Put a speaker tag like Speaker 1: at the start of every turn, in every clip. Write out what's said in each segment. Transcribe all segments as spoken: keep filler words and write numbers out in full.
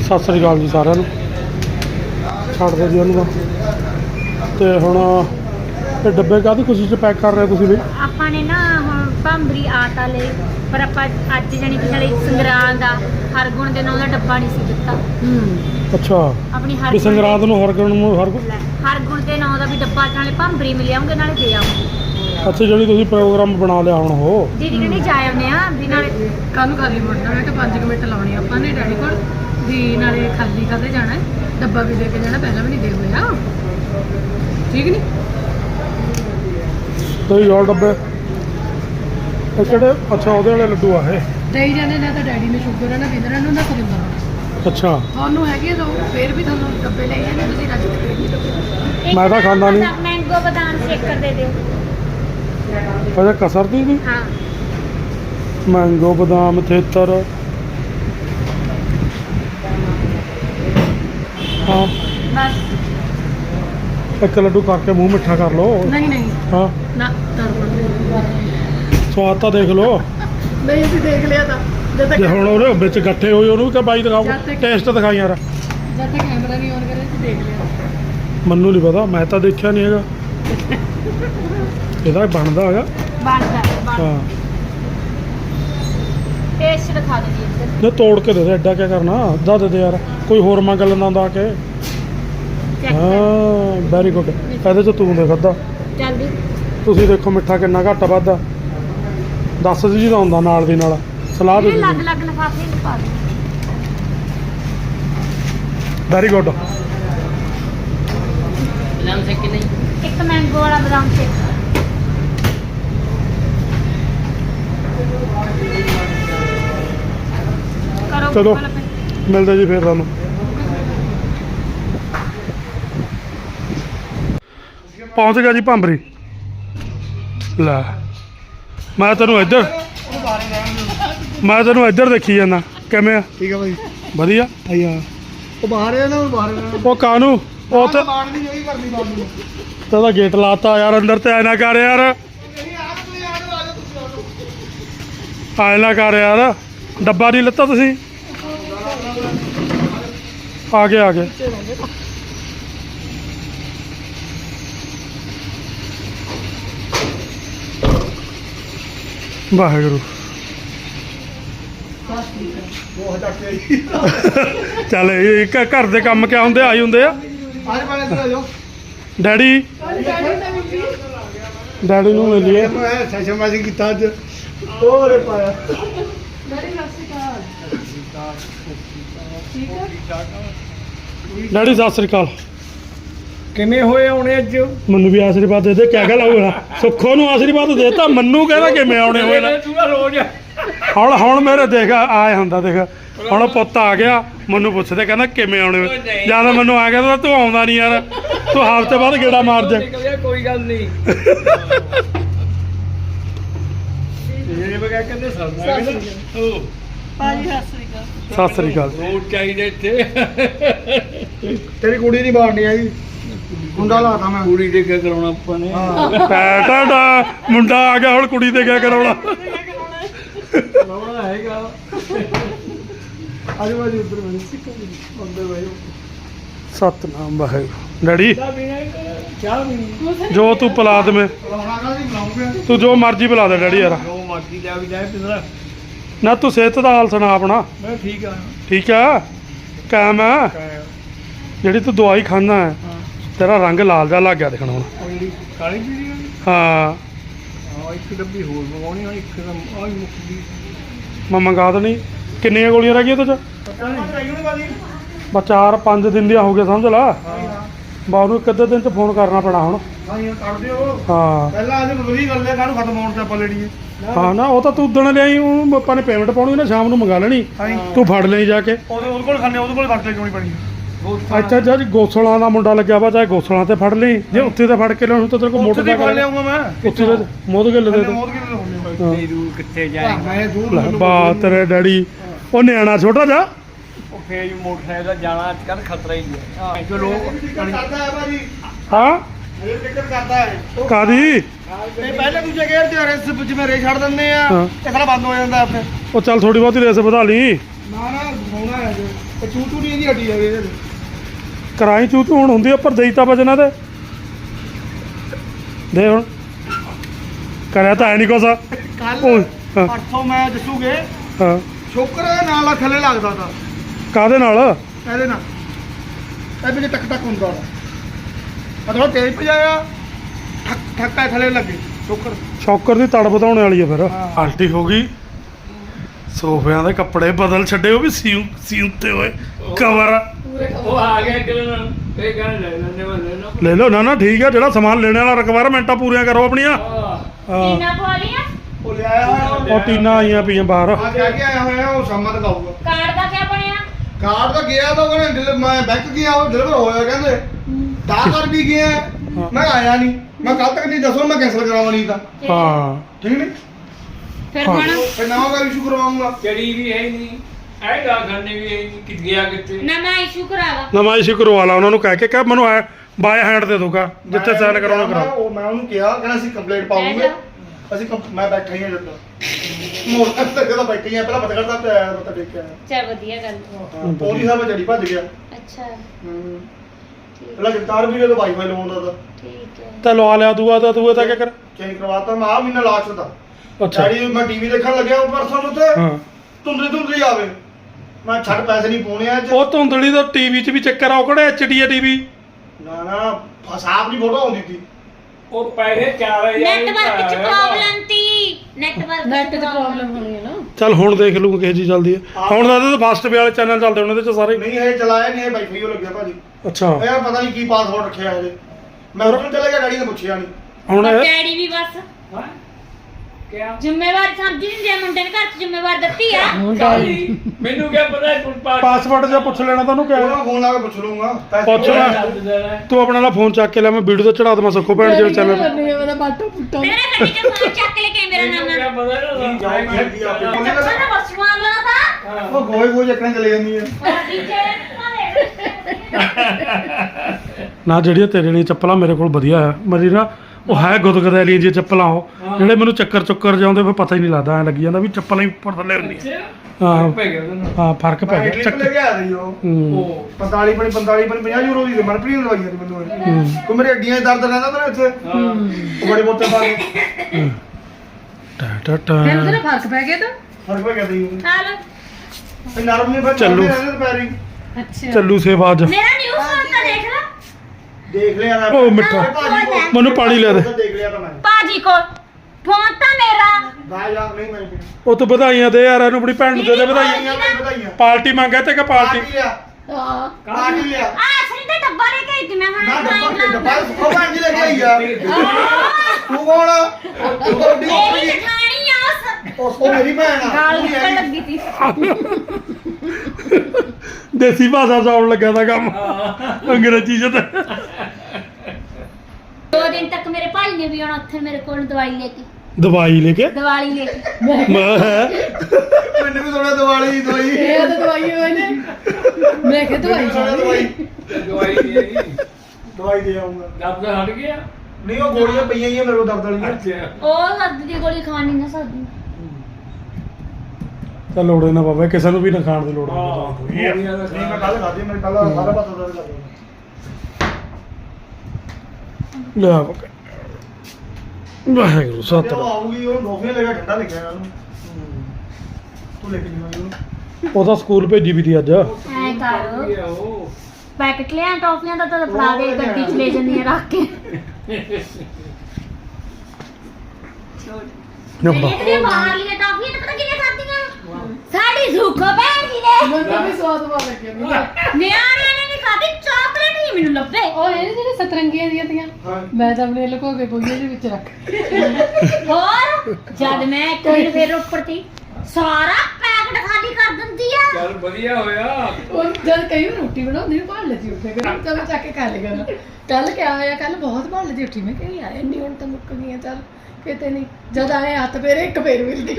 Speaker 1: ਸਤਿ ਸ੍ਰੀ ਅਕਾਲ ਜੀ ਸਾਰਿਆਂ ਨੂੰ। ਛੱਡ ਦੇ ਜੀ ਉਹਨੂੰ ਤੇ ਹੁਣ ਇਹ ਡੱਬੇ ਕਾਹਦੀ ਖੁਸ਼ੀ 'ਚ ਪੈਕ ਕਰ ਰਹੇ ਤੁਸੀਂ ਵੀ?
Speaker 2: ਆਪਾਂ ਨੇ ਨਾ ਹੁਣ ਭੰਬਰੀ ਆਟਾ ਲੈ ਪਰ ਆਪਾਂ ਅੱਜ ਜਾਣੀ ਕਿ ਨਾਲੇ ਸੰਗਰਾਂਦ ਦਾ ਹਰਗੁਣ ਦੇ ਨਾਂ ਦਾ ਡੱਬਾ ਨਹੀਂ ਸੀ ਦਿੱਤਾ।
Speaker 1: ਹੂੰ ਅੱਛਾ
Speaker 2: ਆਪਣੀ
Speaker 1: ਵੀ
Speaker 2: ਹਰਗੁਣ
Speaker 1: ਸੰਗਰਾਂਦ ਨੂੰ ਹਰਗੁਣ ਨੂੰ ਹਰਗੁਣ
Speaker 2: ਹਰਗੁਣ ਦੇ ਨਾਂ ਦਾ ਵੀ ਡੱਬਾ ਨਾਲੇ ਭੰਬਰੀ ਮਿਲ ਆਉਂਗੇ ਨਾਲੇ ਦੇ ਆਉਂਗੇ।
Speaker 1: ਅੱਛਾ ਜਿਹੜੀ ਤੁਸੀਂ ਪ੍ਰੋਗਰਾਮ ਬਣਾ ਲਿਆ ਹੁਣ ਉਹ
Speaker 2: ਦੀਦੀ ਕਹਿੰਦੀ ਜਾ ਆਉਂਦੇ ਆ ਵੀ ਨਾਲੇ
Speaker 3: ਕੱਲ ਨੂੰ ਖਾਲੀ ਮੁੜਨਾ ਹੈ ਕਿ ਪੰਜ ਕੁ ਮਿੰਟ ਲਾਉਣੇ ਆਪਾਂ ਨੇ ਡੈਡੀ ਕੋਲ ਵੀ ਨਾਲੇ ਖਾਲੀ ਕਰਦੇ ਜਾਣਾ ਹੈ, ਡੱਬਾ ਵੀ ਦੇ ਕੇ ਜਾਣਾ, ਪਹਿਲਾਂ ਵੀ ਨਹੀਂ ਦੇ ਹੋਇਆ ਠੀਕ ਨਹੀਂ।
Speaker 1: ਤੁਸੀਂ ਹੋਰ ਡੱਬੇ ਇਹ ਕਿਹੜੇ? ਅੱਛਾ ਉਹਦੇ ਵਾਲੇ ਲੱਡੂ ਆ ਇਹ।
Speaker 3: ਦੇਈ ਜਾਂਦੇ ਨਾ ਤਾਂ ਡੈਡੀ ਨੇ ਸ਼ੂਗਰ ਹੈ ਨਾ ਵਿੰਦਰਾ ਨੂੰ ਨਾ ਸਰਿੰਦਰ
Speaker 1: ਅੱਛਾ
Speaker 3: ਤੁਹਾਨੂੰ ਹੈਗੇ ਦੋ ਫੇਰ ਵੀ ਤੁਹਾਨੂੰ ਡੱਬੇ ਲੈ ਜਾਂਦੇ ਤੁਸੀਂ ਰੱਜ ਕੇ ਨਹੀਂ ਡੱਬੇ।
Speaker 1: ਮੈਂ ਤਾਂ ਖਾਂਦਾ ਨਹੀਂ।
Speaker 2: ਮੈਂਗੋ ਬਦਾਮ ਸ਼ੇਕਰ ਦੇ ਦਿਓ।
Speaker 1: ਅੱਛਾ ਕਸਰ ਦੀ ਵੀ
Speaker 2: ਹਾਂ
Speaker 1: ਮੈਂਗੋ ਬਦਾਮ ਥੇਤਰ ਹਾਂ
Speaker 2: ਬਸ
Speaker 1: ਇੱਕ ਲੱਡੂ ਕਰਕੇ ਮੂੰਹ ਮਿੱਠਾ ਕਰ ਲਓ।
Speaker 3: ਨਹੀਂ ਨਹੀਂ
Speaker 1: ਹਾਂ
Speaker 3: ਨਾ ਤੜਪਣ
Speaker 1: ਸਵਾਦ ਤਾਂ ਦੇਖ ਲਓ।
Speaker 3: ਨਹੀਂ ਅਸੀਂ ਦੇਖ ਲਿਆ ਤਾਂ ਜਦ ਤੱਕ
Speaker 1: ਜੇ ਹੁਣ ਉਹਦੇ ਵਿੱਚ ਗੱਠੇ ਹੋਏ ਉਹਨੂੰ ਵੀ ਕਿ ਬਾਈ ਦਿਖਾਓ ਟੇਸਟ ਦਿਖਾਈ ਯਾਰ।
Speaker 3: ਜਦ ਤੱਕ ਕੈਮਰਾ ਨਹੀਂ ਔਨ ਕਰਿਆ ਅਸੀਂ ਦੇਖ ਲਿਆ।
Speaker 1: ਮੈਨੂੰ ਨਹੀਂ ਪਤਾ, ਮੈਂ ਤਾਂ ਦੇਖਿਆ ਨਹੀਂ ਹੈਗਾ। ਇਹਦਾ ਬਣਦਾ ਹੈਗਾ
Speaker 2: ਬਣਦਾ ਬਣ
Speaker 1: ਹਾਂ।
Speaker 2: ਟੇਸਟ ਦਿਖਾ ਦੇ ਜੀ ਇੱਧਰ।
Speaker 1: ਜੇ ਤੋੜ ਕੇ ਦੇ ਦੇ ਐਡਾ ਕੀ ਕਰਨਾ, ਅੱਧਾ ਦੇ ਦੇ ਯਾਰ, ਕੋਈ ਹੋਰ ਮੰਗ ਲੈਂਦਾ ਹੁੰਦਾ ਆ ਕੇ।
Speaker 2: ਚੈੱਕ ਕਰ
Speaker 1: ਹਾਂ ਵੈਰੀ ਗੁੱਡ। ਇਹਦੇ ਚ ਤੂੰ ਦੇਖ ਅੱਧਾ,
Speaker 2: ਜਲਦੀ।
Speaker 1: ਤੁਸੀਂ ਦੇਖੋ ਮਿੱਠਾ ਕਿੰਨਾ ਘੱਟ ਵੱਧ ਆ। ਦਸ ਜੀ ਦਾ ਹੁੰਦਾ ਨਾਲ ਦੀ ਨਾਲ ਸਲਾਹ ਦੇ
Speaker 2: ਇਹ ਲੱਗ ਲੱਗ ਲਿਫਾਫੇ ਨੂੰ ਪਾ ਦੇ।
Speaker 1: Very good.
Speaker 3: ਬਦਾਮ ਸੇਕ ਕੇ ਨਹੀਂ
Speaker 2: ਇੱਕ ਮੈਂਗੋ ਵਾਲਾ ਬਦਾਮ ਸ਼ੇਕ। ਕਰੋ
Speaker 1: ਚਲੋ
Speaker 2: ਪਹਿਲਾਂ ਫਿਰ।
Speaker 1: ਮਿਲਦੇ ਜੀ ਫਿਰ ਤੁਹਾਨੂੰ। ਪਹੁੰਚ ਗਿਆ ਜੀ ਭੰਬਰੀ। ਲੈ ਮੈਂ ਤੈਨੂੰ ਇੱਧਰ ਮੈਂ ਤੈਨੂੰ ਇੱਧਰ ਦੇਖੀ ਜਾਂਦਾ। ਕਿਵੇਂ ਆ?
Speaker 4: ਠੀਕ ਹੈ ਭਾਈ
Speaker 1: ਵਧੀਆ ਆਈਆ।
Speaker 4: ਉਹ ਬਾਹਰ ਹੈ ਨਾ ਉਹ ਬਾਹਰ ਹੈ
Speaker 1: ਉਹ ਕਾਨੂੰ ਉਹ ਤੇ
Speaker 4: ਬਾਹਰ ਨਹੀਂ ਹੋਈ ਕਰਨੀ ਬਾਹਰ ਨੂੰ
Speaker 1: ਤੇਰਾ ਗੇਟ ਲਾਤਾ ਯਾਰ, ਅੰਦਰ ਤੇ ਐ ਨਾ ਕਰ ਯਾਰ, ਐ ਨਾ ਕਰ ਯਾਰ। ਡੱਬਾ ਨਹੀਂ ਲੱਤਾ ਤੁਸੀਂ? ਆ ਗਏ ਆ ਗਏ। ਵਾਹਿਗੁਰੂ। ਚੱਲ ਇਹ ਘ- ਘਰ ਦੇ ਕੰਮ ਕਿਆ ਹੁੰਦੇ, ਆਈ ਹੁੰਦੇ ਆ।
Speaker 4: ਆਜ ਵਾਲੇ ਤੇ ਜਾਓ
Speaker 1: ਡੈਡੀ ਡੈਡੀ ਨੂੰ ਮਿਲੀਏ।
Speaker 4: ਮੈਂ ਸੈਸ਼ਨ ਮੈਚ ਕੀਤਾ ਅੱਜ ਹੋਰ ਪਾਇਆ
Speaker 1: ਡੈਡੀ ਸਤਿ ਸ੍ਰੀ ਅਕਾਲ।
Speaker 4: ਕਿਵੇਂ ਹੋਏ ਆਉਣੇ ਅੱਜ
Speaker 1: ਮੈਨੂੰ ਵੀ ਆਸ਼ੀਰਵਾਦ ਦੇ ਦੇ। ਕਿਆ ਗੱਲ ਹੋਣਾ? ਸੁੱਖੋ ਨੂੰ ਆਸ਼ੀਰਵਾਦ ਦੇਤਾ, ਮੈਨੂੰ ਕਹਿੰਦਾ ਕਿਵੇਂ ਆਉਣੇ ਹੋਏ ਨੇ।
Speaker 4: ਰੋਜ਼
Speaker 1: ਹੁਣ ਹੁਣ ਮੇਰੇ ਦੇਖ ਆਏ ਹੁੰਦਾ ਦੇਖ, ਹੁਣ ਪੁੱਤ ਆ ਗਿਆ ਮੈਨੂੰ ਪੁੱਛਦੇ ਕਹਿੰਦਾ ਕਿਵੇਂ ਆਉਣੇ ਹੋਏ। ਜਦ ਮੈਨੂੰ ਆ ਗਿਆ ਤੂੰ ਆਉਂਦਾ ਨਹੀਂ ਯਾਰ, ਤੂੰ ਹਫ਼ਤੇ ਬਾਅਦ ਗੇੜਾ ਮਾਰ ਜਾ।
Speaker 4: ਕੋਈ ਗੱਲ ਨਹੀਂ ਇਹ ਬਗਾ ਕਹਿੰਦੇ ਸਰਨਾ ਉਹ
Speaker 3: ਭਾਜੀ ਸਤਿ ਸ੍ਰੀ ਅਕਾਲ।
Speaker 1: ਸਤਿ ਸ੍ਰੀ ਅਕਾਲ।
Speaker 4: ਰੋਜ਼ ਚਾਹੀਦੇ ਇੱਥੇ ਤੇਰੀ ਕੁੜੀ ਨਹੀਂ ਬਾੜਨੀ ਆਈ ਮੁੰਡਾ ਲਾਤਾ ਮੈਂ ਕੁੜੀ ਦੇ ਕੇ ਕਰਾਉਣਾ ਆਪਾਂ ਨੇ
Speaker 1: ਪੈਟਾ ਮੁੰਡਾ ਆ ਗਿਆ, ਹੁਣ ਕੁੜੀ ਤੇ ਕਿਆ ਕਰਾਉਣਾ?
Speaker 4: ਲਾਉਣਾ ਹੈਗਾ ਆਜੋ ਆਜੋ ਉੱਧਰ ਬਣੀ ਅੰਦਰ ਭਾਈ
Speaker 1: ਸਤਨਾਮ ਵਾਹਿਗੁਰੂ। ਡੈਡੀ
Speaker 4: ਚਾਹ ਵੀ
Speaker 1: ਜੋ ਤੂੰ ਪਿਲਾ ਦੇਵੇਂ,
Speaker 4: ਲਾਉਣਾ ਕਾ ਨਹੀਂ ਬੁਲਾਉਂਗੇ
Speaker 1: ਤੂੰ ਜੋ ਮਰਜ਼ੀ ਪਿਲਾ ਦੇ ਡੈਡੀ ਯਾਰ।
Speaker 4: ਜੋ ਮਰਜ਼ੀ ਲੈ ਵੀ ਜਾਏ ਪਿੰਦਰਾ
Speaker 1: ਨਾ ਤੂੰ ਸਿਹਤ ਦਾ ਹਾਲ ਸੁਣਾ ਆਪਣਾ।
Speaker 4: ਮੈਂ ਠੀਕ ਆ
Speaker 1: ਠੀਕ ਆ ਕਾਇਮ ਆ? ਜਿਹੜੀ ਤੂੰ ਦਵਾਈ ਖਾਂਦਾ ਹੈ ਤੇਰਾ ਰੰਗ ਲਾਲ ਜਿਹਾ ਲੱਗ ਗਿਆ ਦੇਖਣ ਹੁਣ।
Speaker 4: ਕਾਲੀ ਪੀੜੀ
Speaker 1: ਹਾਂ
Speaker 4: ਹਾਂ ਇੱਕ ਡੱਬੀ ਹੋਰ ਮੰਗਾਉਣੀ ਹੁਣ ਇੱਕ ਤਾਂ ਆਹ ਹੀ ਮੁੱਕ ਗਈ
Speaker 1: ਮੈਂ ਮੰਗਾ ਦੇਣੀ। ਕਿੰਨੀਆਂ ਗੋਲੀਆਂ ਰਹਿ ਗਈਆਂ ਉਹਦੇ ਚ?
Speaker 4: ਪਤਾ ਨਹੀਂ
Speaker 1: ਬਸ ਚਾਰ ਪੰਜ ਦਿਨ ਦੀਆਂ ਹੋ ਗਏ ਸਮਝ ਲਾ। ਬਾ ਉਹਨੂੰ ਇੱਕ ਅੱਧੇ ਦਿਨ ਚ ਫੋਨ ਕਰਨਾ ਪੈਣਾ ਹੁਣ।
Speaker 4: ਹਾਂ ਇਹ ਕਰ ਦਿਓ
Speaker 1: ਹਾਂ
Speaker 4: ਪਹਿਲਾਂ ਅੱਜ ਵਧੀਆ ਗੱਲ ਹੈ ਕਾਹਨੂੰ ਖਤਮ ਹੋਣ ਤੇ ਆਪਾਂ ਲੈਣੀਏ
Speaker 1: ਹਾਂ ਨਾ ਉਹ ਤਾਂ ਤੂੰ ਉਦਣ ਲਿਆਈ, ਉਹ ਆਪਾਂ ਨੇ ਪੇਮੈਂਟ ਪਾਉਣੀ ਨਾ ਸ਼ਾਮ ਨੂੰ ਮੰਗਾ ਲੈਣੀ। ਤੂੰ ਫੜ ਲਈ ਜਾ ਕੇ।
Speaker 4: ਉਹਦੇ ਉਹਦੇ ਕੋਲ ਖਾਣੇ ਉਹਦੇ ਕੋਲ ਵਰਤ ਲੈ ਜਾਣੀ ਪੈਣੀ
Speaker 1: ਅੱਛਾ ਜਦ ਗੋਸਲਾਂ ਦਾ ਮੁੰਡਾ ਲੱਗਿਆ ਵਾ, ਚਾਹੇ ਗੋਸਲਾਂ ਤੇ ਫੜ ਲਈ, ਜੇ ਉੱਥੇ ਤੇ ਫੜ ਕੇ ਲਿਆਉਣ ਤਾਂ ਤੇਰੇ ਕੋਲ ਮੋਟਰ ਦਾ
Speaker 4: ਫੜ ਲਿਆਉਂਗਾ ਮੈਂ
Speaker 1: ਉੱਥੇ ਦੇ ਮੋਦ ਗਿੱਲ ਦੇ
Speaker 4: ਮੋਦ ਕਿਵੇਂ ਹੋਣੇ
Speaker 3: ਦੂਰ ਕਿੱਥੇ
Speaker 4: ਮੈਂ ਦੂਰ
Speaker 1: ਲੈ ਬਾ ਤੇਰੇ ਡੈਡੀ ਉਹ ਨਿਆਣਾ ਛੋਟਾ ਜਾ।
Speaker 3: ਉਹ ਫੇਰ ਮੋਟਰਸਾਈਕਲ ਜਾਣਾ ਅੱਜ ਕੱਲ੍ਹ ਖਤਰਾ ਹੀ ਹੈ ਜੋ ਲੋਕ
Speaker 4: ਕਰਦਾ ਹੈ ਭਾਜੀ
Speaker 1: ਹਾਂ
Speaker 4: ਇਹ ਟਿਕਟ ਕਰਦਾ ਹੈ
Speaker 1: ਕਾਦੀ
Speaker 4: ਇਹ ਪਹਿਲੇ ਦੂਜੇ ਗੇਅਰ ਤੇ ਰੇਸ ਜਿਵੇਂ ਰੇ ਛੱਡ ਦਿੰਦੇ ਆ
Speaker 1: ਹਾਂ।
Speaker 4: ਤੇ ਸਾਰਾ ਬੰਦ ਹੋ ਜਾਂਦਾ ਫਿਰ
Speaker 1: ਉਹ ਚੱਲ ਥੋੜੀ ਬਹੁਤੀ ਰੇਸ ਵਧਾ ਲਈ।
Speaker 4: ਨਾ ਨਾ ਹੋਣਾ ਹੈ ਇਹ ਚੂ ਚੂ ਦੀ ਹੱਡੀ ਆ ਇਹਦੇ
Speaker 1: ਕਰਾਈ ਚੂ ਚੂ ਹੁਣ ਹੁੰਦੀ ਆ, ਪਰ ਦੇਈ ਤਾਂ ਵਜਨਾਂ ਤੇ ਦੇ ਹੁਣ ਕਰਿਆ ਤਾਂ ਹੈ ਨਹੀਂ ਕੁਛ।
Speaker 4: ਕੱਲ
Speaker 1: ਓਏ, ਹਾਂ।
Speaker 4: ਪਰਸੋਂ ਮੈਂ ਦੱਸੂਗੇ
Speaker 1: ਹਾਂ
Speaker 4: ਸ਼ੋਕਰ ਦੇ ਨਾਲ ਆ ਥੱਲੇ ਲੱਗਦਾ ਤਾ
Speaker 1: ਕਾਹਦੇ ਨਾਲ?
Speaker 4: ਇਹਦੇ ਨਾਲ ਇਹ ਵਿੱਚ ਟਕ ਟਕ ਹੁੰਦਾ ਵਾ ਮਤਲਬ ਤੇਜ਼ ਭਜਾਇਆ ਠੱਕ ਠੱਕਾ ਥੱਲੇ ਲੱਗੇ ਸ਼ੋਕਰ।
Speaker 1: ਸ਼ੌਕਰ ਦੀ ਤੜ ਵਧਾਉਣ ਵਾਲੀ ਆ ਫਿਰ।
Speaker 4: ਹਾਂ।
Speaker 1: ਆਲਟੀ ਹੋ ਗਈ। ਸੋਫਿਆਂ ਦੇ ਕੱਪੜੇ ਬਦਲ ਛੱਡੇ, ਉਹ ਵੀ ਸਿਉ ਸਿਉਂਤੇ ਹੋਏ ਕਵਰ।
Speaker 5: ਉਹ ਆ ਗਿਆ ਕਿਰਨ ਇਹ ਗੱਲ ਲੈ ਲੈਣੇ ਵਾਲੇ ਨਾ
Speaker 1: ਲੈ ਲਓ ਨਾ ਨਾ ਠੀਕ ਆ, ਜਿਹੜਾ ਸਮਾਨ ਲੈਣ ਵਾਲਾ ਰਿਕੁਆਇਰਮੈਂਟਾਂ ਪੂਰੀਆਂ ਕਰੋ ਆਪਣੀਆਂ।
Speaker 5: ਆਹ,
Speaker 1: ਹਾਂ।
Speaker 2: ਕਿੰਨਾ ਪਵਾ ਲਿਆ?
Speaker 4: ਉਹ ਲਿਆਇਆ ਹੋਇਆ
Speaker 1: ਉਹ ਟੀਨਾ ਆਈਆਂ ਪਈਆਂ ਬਾਹਰ।
Speaker 4: ਆ ਕਹਿ ਕੇ ਆਇਆ ਹੋਇਆ ਉਹ ਸ਼ਾਮਾਂ ਤੱਕ ਆਊਗਾ।
Speaker 2: ਕਾਰਡ ਦਾ ਕੀ ਬਣਿਆ?
Speaker 4: ਕਾਰਡ ਤਾਂ ਗਿਆ ਤਾਂ ਉਹਨੇ ਡਿਲ- ਮੈਂ ਬੈਂਕ ਗਿਆ ਉਹ ਡਿਲੀਵਰ ਹੋਇਆ ਕਹਿੰਦੇ ਦਾ ਕਰ ਵੀ ਗਿਆ ਮੈਂ ਆਇਆ ਨਹੀਂ। ਮੈਂ ਕੱਲ ਤੱਕ ਨਹੀਂ ਦੱਸੋ ਮੈਂ ਕੈਂਸਲ ਕਰਾਉਣਾ ਨਹੀਂ ਤਾਂ
Speaker 1: ਹਾਂ
Speaker 4: ਠੀਕ ਨਹੀਂ
Speaker 2: ਫਿਰ
Speaker 1: ਹਾਂ।
Speaker 2: ਹੁਣ
Speaker 4: ਫਿਰ ਨਵਾਂ ਕਰ ਇਸ਼ੂ ਕਰਵਾਉਂਗਾ।
Speaker 5: ਚੜੀ ਵੀ ਹੈ ਨਹੀਂ ਐ ਗਾ ਕਰਨੇ ਵੀ ਹੈ ਨਹੀਂ ਕਿ ਗਿਆ ਕਿੱਥੇ
Speaker 2: ਨਾ ਮੈਂ ਇਸ਼ੂ ਕਰਾਵਾ।
Speaker 1: ਨਵਾਂ ਇਸ਼ੂ ਕਰਵਾ ਲਾ ਉਹਨਾਂ ਨੂੰ, ਕਹਿ ਕੇ ਕਿ ਮੈਨੂੰ ਐ ਬਾਏ ਹੈਂਡ ਦੇ ਦੂਗਾ, ਜਿੱਥੇ
Speaker 4: ਮੈਂ
Speaker 1: ਸਾਈਨ ਕਰਾਉਣਾ
Speaker 4: ਕਿਹਾ,
Speaker 1: ਕਰਾ।
Speaker 4: ਉਹ ਮੈਂ ਉਹਨੂੰ ਕਿਹਾ ਕਹਿੰਦਾ ਅਸੀਂ ਕੰਪਲੇਂਟ ਪਾਉਂਗੇ। ਅਸੀਂ ਕੰਪ- ਮੈਂ ਬੈਠਾ ਹੀ ਹਾਂ ਜਦੋਂ ਮੋਟਰ ਤੇ ਜਦੋਂ ਬੈਠੀ ਆ ਪਹਿਲਾਂ ਪਤਾ ਕਰਦਾ ਤੇ ਆਇਆ ਪਤਾ ਦੇਖਿਆ
Speaker 2: ਚਲ ਵਧੀਆ ਗੱਲ।
Speaker 4: ਪੌੜੀ ਸਾਹਿਬ ਜੜੀ ਭੱਜ ਗਿਆ।
Speaker 2: ਅੱਛਾ
Speaker 4: ਹੂੰ
Speaker 2: ਠੀਕ
Speaker 4: ਪਹਿਲਾਂ ਜਗਤਾਰ ਵੀ ਜਦੋਂ ਵਾਈਫਾਈ ਲਵਾਉਂਦਾ ਤਾਂ
Speaker 2: ਠੀਕ ਹੈ।
Speaker 1: ਤੇ ਲਵਾ ਲਿਆ ਦੂਆ ਤਾਂ ਦੂਏ ਤਾਂ ਕੀ ਕਰ।
Speaker 4: ਚੇਂਜ ਕਰਵਾਤਾ ਮੈਂ ਆ ਮਹੀਨਾ ਲਾਸਟ ਦਾ।
Speaker 1: ਅੱਛਾ
Speaker 4: ਡੈਡੀ ਮੈਂ ਟੀਵੀ ਦੇਖਣ ਲੱਗਿਆ ਉਹ ਪਰਸੋਂ ਨੂੰ ਤੇ
Speaker 1: ਹਾਂ।
Speaker 4: ਧੁੰਦਲੀ ਧੁੰਦਲੀ ਆਵੇ ਮੈਂ ਛੱਡ ਪੈਸੇ ਨਹੀਂ ਪਾਉਣੇ ਅੱਜ।
Speaker 1: ਉਹ ਧੁੰਦਲੀ ਦਾ ਟੀਵੀ 'ਚ ਵੀ ਚੱਕਰ ਆ, ਉਹ ਕਿਹੜਾ ਐਚ ਡੀ ਆ ਟੀਵੀ।
Speaker 4: ਨਾ ਨਾ ਫਸਾਬ ਦੀ ਫੋਟੋ ਆਉਂਦੀ ਸੀ।
Speaker 5: ਉਹ ਪੈਸੇ ਚਾਰ ਹਜ਼ਾਰ
Speaker 2: ਨੈਟਵਰਕ ਚ ਪ੍ਰੋਬਲਮ ਤੀ। ਨੈਟਵਰਕ
Speaker 3: ਨੈਟ ਦੀ ਪ੍ਰੋਬਲਮ ਹੋਣੀ ਹੈ ਨਾ।
Speaker 1: ਚੱਲ ਹੁਣ ਦੇਖ ਲੂਗਾ ਕਿਹੋ ਜੀ ਚੱਲਦੀ ਹੈ। ਹੁਣ ਤਾਂ ਇਹਦੇ ਫਸਟ ਵੇ ਵਾਲੇ ਚੈਨਲ ਚੱਲਦੇ ਉਹਨਾਂ ਦੇ ਚ ਸਾਰੇ।
Speaker 4: ਨਹੀਂ ਇਹ ਚਲਾਇਆ ਨਹੀਂ ਇਹ ਵਾਈਫਾਈ ਉਹ ਲੱਗਿਆ ਭਾਜੀ।
Speaker 1: ਅੱਛਾ
Speaker 4: ਇਹ ਪਤਾ ਨਹੀਂ ਕੀ ਪਾਸਵਰਡ ਰੱਖਿਆ ਇਹਦੇ। ਮੈਂ ਉਦੋਂ ਚਲੇ ਗਿਆ ਡੈਡੀ ਨੇ ਪੁੱਛਿਆ ਨਹੀਂ।
Speaker 1: ਹੁਣ ਇਹ-
Speaker 2: ਡੈਡੀ ਵੀ ਬਸ
Speaker 5: ਹਾਂ ਕਿਆ
Speaker 2: ਜ਼ਿੰਮੇਵਾਰ ਸਮਝੀ ਨਹੀਂ ਜੇ ਮੁੰਡੇ ਨੇ ਘਰ ਚ ਜ਼ਿੰਮੇਵਾਰ ਦਿੱਤੀ ਆ।
Speaker 5: ਕਾਲੀ ਮੈਨੂੰ ਕਿਆ ਪਤਾ ਹੈ ਕੁਝ ਪਾ
Speaker 1: ਪਾਸਵਰਡ ਜਾਂ ਪੁੱਛ ਲੈਣਾ ਤੁਹਾਨੂੰ ਕਿਹਾ।
Speaker 4: ਉਹਨਾਂ ਫੋਨ ਲਾ ਕੇ ਪੁੱਛ ਲੂੰਗਾ।
Speaker 1: ਪੁੱਛ ਲੈ। ਤੂੰ ਆਪਣਾ ਨਾਲ ਫੋਨ ਚੱਕ ਕੇ ਲੈ, ਮੈਂ ਵੀਡੀਓ ਤੇ ਚੜਾ ਦਵਾਂ ਸੁੱਖੋ ਭੈਣ ਜੀ ਚੈਨਲ।
Speaker 3: ਕਰਨੀ ਹੈ ਮੇਰਾ ਬਾਟਾ ਪੁੱਟਾ।
Speaker 2: ਤੇਰਾ ਗੱਡੀ ਚ ਫੋਨ ਚੱਕ ਲੈ ਕੇ ਮੇਰਾ ਨਾਮ
Speaker 5: ਕਿਆ
Speaker 2: ਨਾ
Speaker 5: ਪਤਾ
Speaker 4: ਨਹੀਂ ਜਾਓ ਮੈਂ ਵੀ ਆਪੇ ਬੋਲੇ
Speaker 2: ਚੱਪਾ ਨਾ ਬਸਵਾਨ ਲਾ ਤਾ।
Speaker 4: ਉਹ ਗੋਏ ਗੋਏ ਚੱਕਣੇ ਚਲੇ ਜਾਂਦੀ ਹੈ।
Speaker 2: ਗੱਡੀ ਚ
Speaker 1: ਨਾ ਜਿਹੜੀਆਂ ਤੇਰੇ ਲਈ ਚੱਪਲਾਂ ਮੇਰੇ ਕੋਲ ਵਧੀਆ ਆ, ਮੇਰੀ ਨਾ ਉਹ ਹੈ ਗੁਦਗਦ ਵਾਲੀਆਂ ਜੀ ਚੱਪਲਾਂ, ਉਹ ਜਿਹੜੇ ਮੈਨੂੰ ਚੱਕਰ ਚੁੱਕਰ ਜਾਉਂਦੇ ਫਿਰ ਪਤਾ ਹੀ ਨਹੀਂ ਲੱਗਦਾ, ਐ ਲੱਗੀ ਜਾਂਦਾ ਵੀ ਚੱਪਲਾਂ ਹੀ ਉੱਪਰ ਥੱਲੇ ਹੁੰਦੀਆਂ। ਹਾਂ
Speaker 5: ਪੈ ਗਿਆ ਉਹਨੂੰ
Speaker 1: ਹਾਂ ਫਰਕ ਪੈ
Speaker 4: ਮੈਂ
Speaker 1: ਗਿਆ
Speaker 4: ਇਟਲੀ ਤੋਂ ਲੈ
Speaker 1: ਚੱਕਰ।
Speaker 4: ਕੇ ਆ ਰਹੀ ਉਹ
Speaker 1: ਹੂੰ
Speaker 5: ਉਹ
Speaker 4: ਪੰਤਾਲੀ ਪਣੀ ਪੰਤਾਲੀ ਪਣੀ ਪੰਜਾਹ ਯੂਰੋ ਦੀ ਸੀ ਮਨਪ੍ਰੀਤ ਨੇ ਦਵਾਈ ਦਿੱਤੀ ਮੈਨੂੰ ਇਹ।
Speaker 1: ਹੂੰ
Speaker 4: ਕੋਈ ਮੇਰੇ ਅੱਡੀਆਂ 'ਚ ਦਰਦ ਰਹਿੰਦਾ ਤਾਂ ਇੱਥੇ
Speaker 5: ਹਾਂ
Speaker 4: ਉਹ ਬੜੇ ਬੋਤੇ ਪਾ ਕੇ
Speaker 1: ਟਾ ਟਾ ਟਾ।
Speaker 3: ਫਿਰ ਉਹਦੇ ਨਾਲ ਫਰਕ ਪੈ ਗਿਆ ਤਾਂ।
Speaker 4: ਫਰਕ ਪੈ ਗਿਆ ਸੀ
Speaker 2: ਹਾਲ
Speaker 4: ਇਹ ਨਰਮ ਨਹੀਂ ਫਿਰ
Speaker 1: ਚੱਲੂ।
Speaker 4: ਰਹਿੰਦੇ ਦੁਪਹਿਰੀ
Speaker 3: ਅੱਛਾ
Speaker 1: ਚੱਲੂ ਸੇਵਾ ਅੱਜ।
Speaker 2: ਮੇਰਾ ਨਿਊ ਫੋਨ ਤਾਂ ਦੇਖ ਲੈ।
Speaker 4: ਦੇਖ ਲਿਆ ਮੈਂ
Speaker 1: ਉਹ ਮਿੱਠਾ।
Speaker 4: ਭਾਜੀ ਕੋਲ
Speaker 1: ਮੈਨੂੰ ਪਾਣੀ ਲੈ ਦੇ।
Speaker 4: ਦੇਖ ਲਿਆ ਤਾਂ ਮੈਂ
Speaker 2: ਪਾਜੀ ਕੋਲ ਫੋਨ ਤਾਂ ਮੇਰਾ।
Speaker 4: ਦਾ ਯਾਰ ਨਹੀਂ ਮੈਂ
Speaker 1: ਉਹ ਤੂੰ ਵਧਾਈਆਂ ਦੇ ਯਾਰ, ਇਹਨੂੰ ਆਪਣੀ ਭੈਣ ਨੂੰ ਦੇ ਦੇ ਵਧਾਈਆਂ।
Speaker 4: ਵਧਾਈਆਂ ਭਾਈ, ਵਧਾਈਆਂ
Speaker 1: ਪਾਰਟੀ ਮੰਗਿਆ ਤੇ ਕਿ ਪਾਰਟੀ।
Speaker 4: ਪਾਰਟੀ ਲਿਆ
Speaker 3: ਹਾਂ
Speaker 4: ਪਾਰਟੀ ਲਿਆ
Speaker 2: ਆ ਅਸਲੀ ਤੇ ਡੱਬਾ ਲੈ ਕੇ ਆਈ ਤੀ ਮੈਂ
Speaker 4: ਨਾ
Speaker 2: ਹਾਂ
Speaker 4: ਡੱਬਾ
Speaker 2: ਖਾਣ
Speaker 4: ਡੱਬਾ ਸੁੱਖੋ ਭੈਣ ਜੀ ਲੈ ਕੇ ਆਈ ਆ ਤੂੰ ਕੌਣ ਆ? ਤੂੰ ਤਾਂ ਵੱਡੀ ਹੋ
Speaker 2: ਮੇਰੀ
Speaker 4: ਗਈ
Speaker 2: ਜਠਾਣੀ ਆ ਉਸ
Speaker 4: ਉਸ ਉਹ ਮੇਰੀ ਭੈਣ ਆ
Speaker 2: ਗਾਲ
Speaker 4: ਤੂੰ ਨਹੀਂ
Speaker 2: ਨਿਕਲ
Speaker 4: ਹੈਗੀ।
Speaker 2: ਲੱਗੀ ਤੀ।
Speaker 1: ਦੇਸੀ ਭਾਸ਼ਾ ਚ ਆਉਣ ਲੱਗਾ ਦਾ ਕੰਮ ਅੰਗਰੇਜ਼ੀ ਚ ਤਾਂ।
Speaker 2: ਦੋ ਦਿਨ ਤੱਕ ਮੇਰੇ ਭਾਈ ਨੇ ਵੀ ਆਉਣਾ ਉੱਥੇ ਮੇਰੇ ਕੋਲ ਦਵਾਈ ਲੈ ਕੇ,
Speaker 1: ਦਵਾਈ ਲੈ ਕੇ
Speaker 2: ਦੀਵਾਲੀ ਲੈ ਕੇ।
Speaker 1: ਮੈਂ ਹੈ
Speaker 4: ਮੈਨੂੰ ਵੀ ਥੋੜਾ ਦੀਵਾਲੀ ਦਵਾਈ
Speaker 3: ਇਹ ਤਾਂ ਦਵਾਈ ਹੋਏ ਨੇ। ਮੈਂ ਕਿਹਾ ਦਵਾਈ
Speaker 4: ਥੋੜਾ ਦਵਾਈ
Speaker 5: ਦਵਾਈ ਨਹੀਂ ਹੈਗੀ
Speaker 4: ਦਵਾਈ ਦੇ ਆਉਂਗਾ।
Speaker 5: ਦਰਦ ਹਟ ਗਿਆ
Speaker 4: ਨਹੀਂ ਉਹ ਗੋਲੀਆਂ ਪਈਆਂ ਹੀ ਆ ਮੇਰੇ ਕੋਲ ਦਰਦ ਵਾਲੀਆਂ
Speaker 5: ਅੱਛਾ
Speaker 2: ਉਹ ਸਰਦ ਦੀ ਗੋਲੀ ਖਾਣੀ ਨਾ ਸਕਦੀ।
Speaker 1: ਤਾਂ ਲੋੜੇ ਨਾ ਬਾਬਾ, ਕਿਸੇ ਨੂੰ ਵੀ ਨਾ ਖਾਣ ਦੀ ਲੋੜ
Speaker 5: ਹਾਂ
Speaker 1: ਹੁੰਦੀ।
Speaker 5: ਗੋਲੀਆਂ ਦਾ
Speaker 4: ਨਹੀਂ ਮੈਂ ਕੱਲ ਖਾਧੀ ਮੇਰੇ ਕੱਲ ਸਾਰਾ ਪਾਸਾ ਦਰਦ ਲੱਗ ਗਿਆ
Speaker 1: ਲੈ ਆ ਬੱਕਾ। ਵਾਹਿਗੁਰੂ
Speaker 4: ਤੇ
Speaker 1: ਸਤਿ
Speaker 4: ਉਹ ਆਊਗੀ ਉਹ ਨੋਫੀਆਂ ਲੈ ਕੇ ਠੰਡਾ ਲਿਖਿਆ ਉਹਨੂੰ ਤੂੰ ਲੈ ਕੇ ਜਾਵਾਂਗੀ ਉਹਨੂੰ
Speaker 1: ਉਹਦਾ ਸਕੂਲ ਭੇਜੀ ਵੀ ਦੀ ਅੱਜ।
Speaker 2: ਐ ਕਰ
Speaker 5: ਗਿਆ ਉਹ
Speaker 2: ਪੈਕਟ ਲਿਆ ਟੌਫੀਆਂ ਦਾ ਤਾਂ ਫੜਾ ਦੇ, ਗੱਡੀ ਚ ਲੈ ਜੰਨੀ ਰੱਖ ਕੇ।
Speaker 1: ਨੰਬਰ
Speaker 2: ਇਹ ਤੇ ਬਾਹਰ ਲੀਆਂ ਟੌਫੀਆਂ ਤਾਂ ਪਤਾ ਕਿੰਨੇ ਖਾਧੀਆਂ ਸਾਡੀ ਸੁੱਖੋ ਭੈਣ ਜੀ ਨੇ।
Speaker 3: ਮੈਨੂੰ ਤਾਂ ਵੀ ਸਵਾਦ ਪਾ ਲੱਗਿਆ ਮੈਨੂੰ।
Speaker 2: ਨਿਆਣਿਆਂ ਨੇ ਨਹੀਂ ਖਾਧੀ, ਚਾਕਲੇਟ ਹੀ ਮੈਨੂੰ ਲੱਭੇ।
Speaker 3: ਉਹ ਇਹ ਜਿਹੜੇ ਸਤਰੰਗੀਆਂ ਦੀਆਂ ਤੀਆਂ
Speaker 4: ਹਾਂ
Speaker 3: ਮੈਂ ਤਾਂ ਆਪਣੇ ਲੁਕੋ ਕੇ ਬੋਈਏ ਦੇ ਵਿੱਚ ਰੱਖ।
Speaker 2: ਹੋਰ ਜਦ ਮੈਂ ਇੱਕ ਦਿਨ ਫੇਰ ਉੱਪਰ ਤੀ ਸਾਰਾ ਪੈਕਟ ਖਾਲੀ ਕਰ ਦਿੰਦੀ ਆ।
Speaker 5: ਚੱਲ ਵਧੀਆ ਹੋਇਆ
Speaker 3: ਉਹ ਜਦ ਕਈ ਵਾਰ ਰੋਟੀ ਬਣਾਉਂਦੀ ਨੂੰ ਭਾਲ ਲੈਤੀ ਉੱਠੇ ਕਰ ਤਾਂ ਮੈਂ ਚੱਕ ਕੇ ਖਾ ਲਿਆ ਕਰਾਂ। ਕੱਲ ਕਿਆ ਹੋਇਆ, ਕੱਲ ਬਹੁਤ ਭਾਲ ਲੈਤੀ ਉੱਠੀ, ਮੈਂ ਕਿਹਾ ਯਾਰ ਇੰਨੀ ਹੁਣ ਤਾਂ ਮੁੱਕ ਗਈਆਂ ਚੱਲ ਕਿਤੇ ਨਹੀਂ। ਜਦ ਆਏ ਹੱਥ ਫੇਰੇ ਇੱਕ ਫੇਰ ਮਿਲ ਗਈ।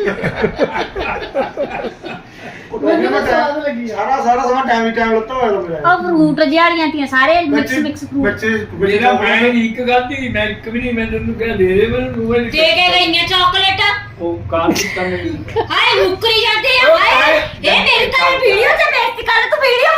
Speaker 3: ਮੈਨੂੰ ਤਾਂ ਸਵਾਦ ਲੱਗੀ ਆ।
Speaker 4: ਸਾਰਾ ਸਾਰਾ ਸਮਾਂ ਟਾਈਮ ਹੀ ਟਾਈਮ ਲੱਤਾ ਹੋਇਆ ਤਾਂ ਮੇਰਾ
Speaker 2: ਉਹ ਫਰੂਟ ਜਿਹੜੀਆਂ ਤੀਆਂ ਸਾਰੇ ਮਿਕਸ ਮਿਕਸ ਫਰੂਟ
Speaker 4: ਬੱਚੇ
Speaker 5: ਮੇਰਾ ਮੈਂ ਨਹੀਂ ਇੱਕ ਗਲਤੀ ਮੈਂ ਇੱਕ ਵੀ ਨਹੀਂ ਮੈਂ ਤੈਨੂੰ ਕਿਹਾ ਦੇ ਦੇ ਮੈਨੂੰ ਮੂੰਹ
Speaker 2: ਦੇ ਕੇ ਗਈਆਂ ਚਾਕਲੇਟ।
Speaker 5: ਉਹ ਕਾਰ ਦੀ ਕੰਮ ਨਹੀਂ
Speaker 2: ਹਾਏ ਮੁੱਕਰੀ ਜਾਂਦੇ ਆ। ਹਾਏ ਇਹ ਮੇਰੀ ਤਾਂ ਵੀਡੀਓ ਤੇ ਬੇਇੱਜ਼ਤੀ ਕਰ ਤੂੰ ਵੀਡੀਓ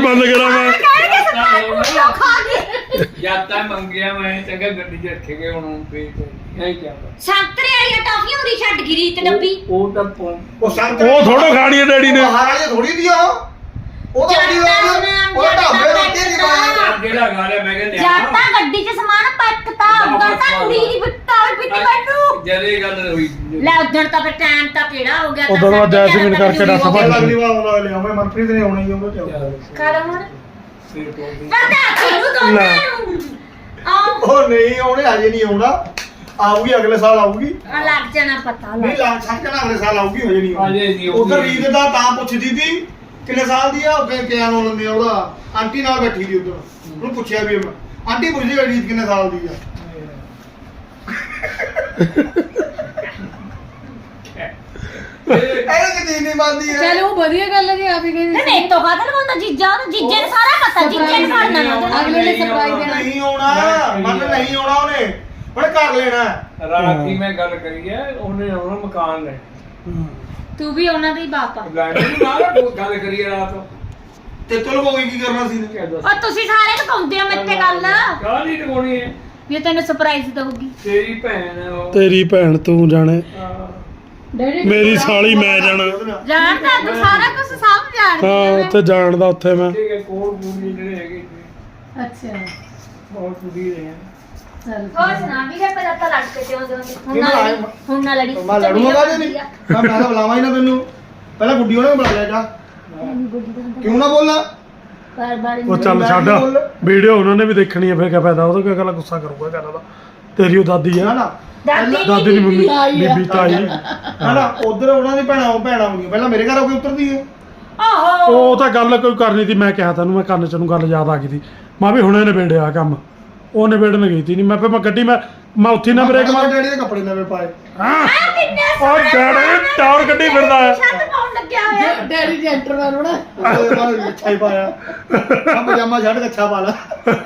Speaker 1: ਬੰਦ ਕਰਾਂ ਮੈਂ
Speaker 2: ਕਹਿਣਗੇ ਸਰਪੰਚ ਪੁੱਛੋ ਖਾ ਗਈ
Speaker 5: ਜਦ ਤੱਕ ਮੰਗਿਆ ਮੈਂ ਚੰਗਾ ਗੱਡੀ 'ਚ ਰੱਖੇ ਗਏ ਹੁਣ ਫੇਰ ਇਹ ਕਿਆ
Speaker 2: ਸੰਤਰੇ ਵਾਲੀਆਂ ਟਾਫੀਆਂ ਉਹਦੀ ਛੱਡ ਗਈ ਰੀਤ ਡੱਬੀ
Speaker 5: ਉਹ ਤਾਂ ਪੌਂ
Speaker 4: ਉਹ ਸੰਤ
Speaker 1: ਉਹ ਥੋੜੋ ਖਾਣੀ ਹੈ ਡੈਡੀ ਨੇ
Speaker 4: ਬਾਹਰ ਵਾਲੀ ਥੋੜੀ ਦੀ ਆ ਉਹ ਤਾਂ ਆਪਣੀ ਉਹ ਉਹ ਢਾਬੇ ਰੋਟੀ ਦੀ ਬਾਤ
Speaker 5: ਜਿਹੜਾ ਗਾ ਲਿਆ ਮੈਂ ਕਿਹਾ
Speaker 2: ਜਾਂ ਤਾਂ ਗੱਡੀ 'ਚ ਸਮਾਨ ਪੱਕਤਾ ਉਦੋਂ ਤਾਂ ਕੁੜੀ ਦੀ ਬਿੱਟਾ ਪਿੱਟੀ ਮੈਨੂੰ
Speaker 5: ਜਦੇ ਗੱਲ ਹੋਈ
Speaker 2: ਲੈ ਉਦੋਂ ਤਾਂ ਫਿਰ ਟਾਈਮ ਤਾਂ ਕਿਹੜਾ ਹੋ ਗਿਆ
Speaker 1: ਉਦੋਂ ਬਾਅਦ ਜੈਸਮੀਨ ਕਰਕੇ ਦੱਸ
Speaker 4: ਆਪਾਂ
Speaker 1: ਪਾ
Speaker 4: ਅਗਲੀ ਵਾਰ ਉਹਨਾਂ ਲਿਆ ਮੈਂ ਮਨਪ੍ਰੀਤ ਨੇ ਆਉਣਾ ਹੀ ਉਹਨੂੰ ਚਾਹ
Speaker 2: ਕਰ ਹੁਣ
Speaker 5: ਫਿਰ ਤੋਂ
Speaker 2: ਪਤਾ ਕਿਹਨੂੰ ਦੋਨਾਂ ਨੂੰ ਆਓ
Speaker 4: ਉਹ ਨਹੀਂ ਉਹਨੇ ਹਜੇ ਨਹੀਂ ਆਉਣਾ ਆਊਗੀ ਅਗਲੇ ਸਾਲ ਆਊਗੀ
Speaker 2: ਆ ਲੱਗ ਜਾਣਾ ਪਤਾ
Speaker 4: ਨਹੀਂ
Speaker 2: ਲੱਗ
Speaker 4: ਲਾ ਛੱਡ ਕੇ ਨਾ ਅਗਲੇ ਸਾਲ ਆਊਗੀ ਹਜੇ ਨਹੀਂ
Speaker 5: ਹਜੇ ਨਹੀਂ ਆਊਗੀ।
Speaker 4: ਉਧਰ ਰੀਤ ਦਾ ਤਾਂ ਪੁੱਛਦੀ ਸੀ ਕਿੰਨੇ ਸਾਲ ਦੀ ਆ ਉਹ ਕਿ ਕਿਆ ਨਾਮ ਲੈਂਦੇ ਆ ਉਹਦਾ ਆਂਟੀ ਨਾਲ ਬੈਠੀ ਸੀ ਉਧਰ ਉਹਨੂੰ ਪੁੱਛਿਆ ਵੀ ਮੈਂ ਆਂਟੀ ਪੁੱਛਦੀ ਆ ਰੀਤ ਕਿੰਨੇ ਸਾਲ ਦੀ ਆ ਇਹ ਕਿਤੇ ਨਹੀਂ ਮੰਨਦੀ ਹੈ
Speaker 3: ਚਲ ਉਹ ਵਧੀਆ ਗੱਲ ਹੈ ਜੀ ਆਪ ਹੀ ਕਹਿੰਦੇ
Speaker 2: ਨਹੀਂ ਤੋਂ ਕਾਹਦਾ ਲਗਾਉਂਦਾ ਜੀਜਾ ਉਹਨੂੰ ਜੀਜੇ ਨੂੰ ਸਾਰਾ ਪਤਾ ਜੀਜੇ ਨੂੰ ਫੜਨਾ ਨਾ ਉਹਦੇ
Speaker 3: ਅਗਲੇ ਨੇ ਸਰਪ੍ਰਾਈਜ਼ ਦੇਣਾ
Speaker 4: ਨਹੀਂ ਆਉਣਾ ਮਨ ਨਹੀਂ ਆਉਣਾ ਉਹਨੇ ਉਹਨੇ ਕਰ ਲੈਣਾ
Speaker 5: ਰਾਤ ਦੀ ਮੈਂ ਗੱਲ ਕਰੀ ਹੈ ਉਹਨੇ ਆਉਣਾ ਮਕਾਨ ਲੈ
Speaker 2: ਤੂੰ ਵੀ ਉਹਨਾਂ ਦਾ ਹੀ ਬਾਪ ਆ
Speaker 5: ਲੈਣ ਨਾਲ ਗੱਲ ਕਰੀ ਹੈ ਰਾਤ
Speaker 4: ਤੇ ਚਲ ਕੋਈ ਕੀ ਕਰਨਾ ਸੀ
Speaker 5: ਕਿਆ ਦੱਸ
Speaker 2: ਉਹ ਤੁਸੀਂ ਸਾਰੇ ਲਗਾਉਂਦੇ ਹੋ ਮੇਰੇ ਤੇ ਗੱਲ
Speaker 5: ਕਾਹ ਨਹੀਂ ਲਗਾਉਣੀ ਹੈ
Speaker 2: ਵੀ ਉਹ ਤੈਨੂੰ ਸਰਪ੍ਰਾਈਜ਼ ਦਊਗੀ
Speaker 5: ਤੇਰੀ ਭੈਣ ਹੈ ਉਹ
Speaker 1: ਤੇਰੀ ਭੈਣ ਤੂੰ ਜਾਣੇ
Speaker 5: ਹਾਂ।
Speaker 3: ਡੈਡੀ
Speaker 1: ਮੇਰੀ ਸਾਲੀ ਮੈਂ ਜਾਣਾ
Speaker 2: ਜਾਣਦਾ ਤੂੰ ਸਾਰਾ ਕੁਝ ਸਭ ਜਾਣਦੀ
Speaker 1: ਹਾਂ ਉੱਥੇ ਜਾਣਦਾ ਉੱਥੇ ਮੈਂ
Speaker 5: ਠੀਕ ਹੈ ਕੋਲ ਪੂਰੀ ਜਿਹੜੇ ਹੈਗੇ ਜੀ,
Speaker 3: ਅੱਛਾ
Speaker 5: ਬਹੁਤ ਪੂਰੀ ਰਹੇ
Speaker 3: ਚਲ
Speaker 2: ਹੋਰ ਸੁਣਾ ਵੀ ਹੈ ਪਹਿਲਾਂ ਤਾਂ ਲੜ ਕੇ ਤੇ ਆਉਂਦੇ ਹੁੰਦੇ ਹੁਣ
Speaker 4: ਕਿਉਂ
Speaker 2: ਨਾ
Speaker 4: ਲੜਾਈ?
Speaker 2: ਲੜੀ ਹੁਣ ਨਾ ਲੜੀ
Speaker 4: ਮੈਂ ਲੜੂਗਾ ਕਾਹਦੇ ਨਹੀਂ ਮੈਂ ਮੈਂ ਤਾਂ ਬੁਲਾਵਾਂ ਹੀ ਨਾ ਤੈਨੂੰ ਪਹਿਲਾਂ ਗੁੱਡੀ ਉਹਨੇ ਬੁਲਾ ਲਿਆ ਜਾ ਕਿਉਂ ਨਾ ਬੋਲਣਾ
Speaker 2: ਬਾਰ ਬਾਰ
Speaker 1: ਉਹ ਚੱਲ ਛੱਡ ਵੀਡੀਓ ਉਹਨਾਂ ਨੇ ਵੀ ਦੇਖਣੀ ਹੈ ਫਿਰ ਕਿਆ ਫਾਇਦਾ ਉਹਦਾ ਕਿਆ ਗੱਲ ਗੁੱਸਾ ਕਰੂਗਾ ਗੱਲ ਦਾ ਤੇਰੀ ਉਹ ਦਾਦੀ
Speaker 4: ਨਾ
Speaker 1: ਆ
Speaker 4: ਨਾ
Speaker 2: ਦਾਦੀ
Speaker 1: ਦਾਦੀ ਦੀ ਮੰਮੀ
Speaker 3: ਤਾਈ ਆ।
Speaker 1: ਬੀਬੀ ਤਾਈ
Speaker 4: ਨਾ ਨਾ ਉਧਰ ਉਹਨਾਂ ਦੀ ਭੈਣਾਂ ਉਹ ਭੈਣਾਂ ਹੁੰਦੀਆਂ ਪਹਿਲਾਂ ਮੇਰੇ ਘਰ ਆ ਕੇ ਉਤਰਦੀ ਹੈ
Speaker 2: ਓਹੋ
Speaker 1: ਉਹ ਤਾਂ ਗੱਲ ਕੋਈ ਕਰਨੀ ਸੀ ਮੈਂ ਕਿਹਾ ਤੈਨੂੰ ਮੈਂ ਕੰਨ ਚ ਨੂੰ ਗੱਲ ਯਾਦ ਆ ਗਈ ਸੀ ਮੈਂ ਵੀ ਹੁਣੇ ਨਿਬੇੜਿਆ ਕੰਮ ਉਹ ਨਿਬੇੜਨ ਗਈ ਸੀ ਨਹੀਂ ਮੈਂ ਫਿਰ ਮੈਂ ਗੱਡੀ ਮੈਂ ਮੈਂ ਉੱਥੇ ਨਾ ਬ੍ਰੇਕ ਮਾਰ
Speaker 4: ਡੈਡੀ ਦੇ ਕੱਪੜੇ ਨਵੇਂ ਪਾਏ
Speaker 1: ਹਾਂ
Speaker 2: ਕਿੰਨੇ
Speaker 1: ਉਹ ਡੈਡੀ ਟਾਵਰ ਗੱਡੀ ਫਿਰਦਾ ਹੈ
Speaker 2: ਛੱਤ ਪਾਉਣ ਲੱਗਿਆ ਹੋਇਆ
Speaker 3: ਡੈਡੀ ਜੈਂਟਲਮੈਨ ਹੋਣਾ
Speaker 4: ਉਹਦੇ ਬਾਅਦ ਅੱਛਾ ਹੀ ਪਾਇਆ ਆ ਪਜਾਮਾ ਛੱਡ ਕੇ ਅੱਛਾ ਪਾ ਲਾ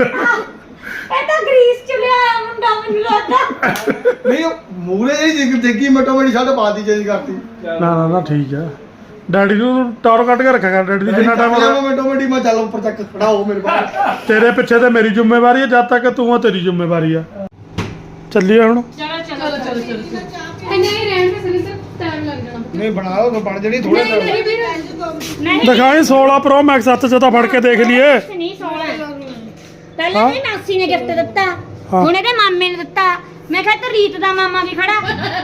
Speaker 2: ਇਹ ਤਾਂ ਗ੍ਰੀਸ ਚ ਲਿਆਇਆ ਮੁੰਡਾ ਮੈਨੂੰ ਲੱਗਦਾ
Speaker 4: ਨਹੀਂ ਮੂਰੇ ਜਿਹੀ ਜਿਗ ਦੇਖੀ ਮਟੋ ਮਟੀ ਛੱਡ ਪਾ ਦੀ ਚੇਂਜ ਕਰਤੀ
Speaker 1: ਨਾ ਨਾ ਨਾ ਠੀਕ ਹੈ ਡੈਡੀ ਨੂੰ ਟਾਵਰ ਕੱਢ ਕੇ ਰੱਖਿਆ ਕਰ ਡੈਡੀ ਦੀ ਜਿੰਨਾ ਟਾਈਮ
Speaker 4: ਮੈਂ ਮਟੋ ਮਟੀ ਮੈਂ ਚੱਲ ਉੱਪਰ ਤੱਕ ਖੜਾ ਹੋ ਮੇਰੇ ਕੋਲ
Speaker 1: ਤੇਰੇ ਪਿੱਛੇ ਤੇ ਮੇਰੀ ਜ਼ਿੰਮੇਵਾਰੀ ਹੈ ਜਦ ਤੱਕ ਤੂੰ ਆ ਤੇਰੀ ਜ਼ਿੰਮੇਵਾਰੀ ਆ ਚੱਲੀਏ ਹੁਣ
Speaker 2: ਚਲੋ
Speaker 3: ਚਲੋ ਚਲੋ ਚਲੋ ਇਹ ਨਹੀਂ ਰਹਿਣ ਦੇ ਸਨੀ ਸਰ ਟਾਈਮ ਲੱਗ ਜਾਣਾ
Speaker 4: ਨਹੀਂ ਬਣਾ ਲਓ ਬਣ ਜਣੀ ਥੋੜੇ
Speaker 3: ਨਹੀਂ ਨਹੀਂ ਵੀਰ
Speaker 2: ਨਹੀਂ
Speaker 1: ਦਿਖਾਈ ਸੋਲਾਂ ਪ੍ਰੋ ਮੈਕਸ ਸੱਤ ਚ ਤਾਂ ਫੜ ਕੇ ਦੇਖ ਲਈਏ
Speaker 2: ਨਹੀਂ ਸੋਹਣਾ ਪਹਿਲਾਂ ਮੇਰੀ ਮਾਸੀ ਨੇ ਗਿਫਟ ਦਿੱਤਾ
Speaker 1: ਹਾਂ।
Speaker 2: ਹੁਣ ਇਹਦੇ ਮਾਮੇ ਨੇ ਦਿੱਤਾ ਮੈਂ ਕਿਹਾ ਤੇ ਰੀਤ ਦਾ ਮਾਮਾ ਵੀ ਖੜਾ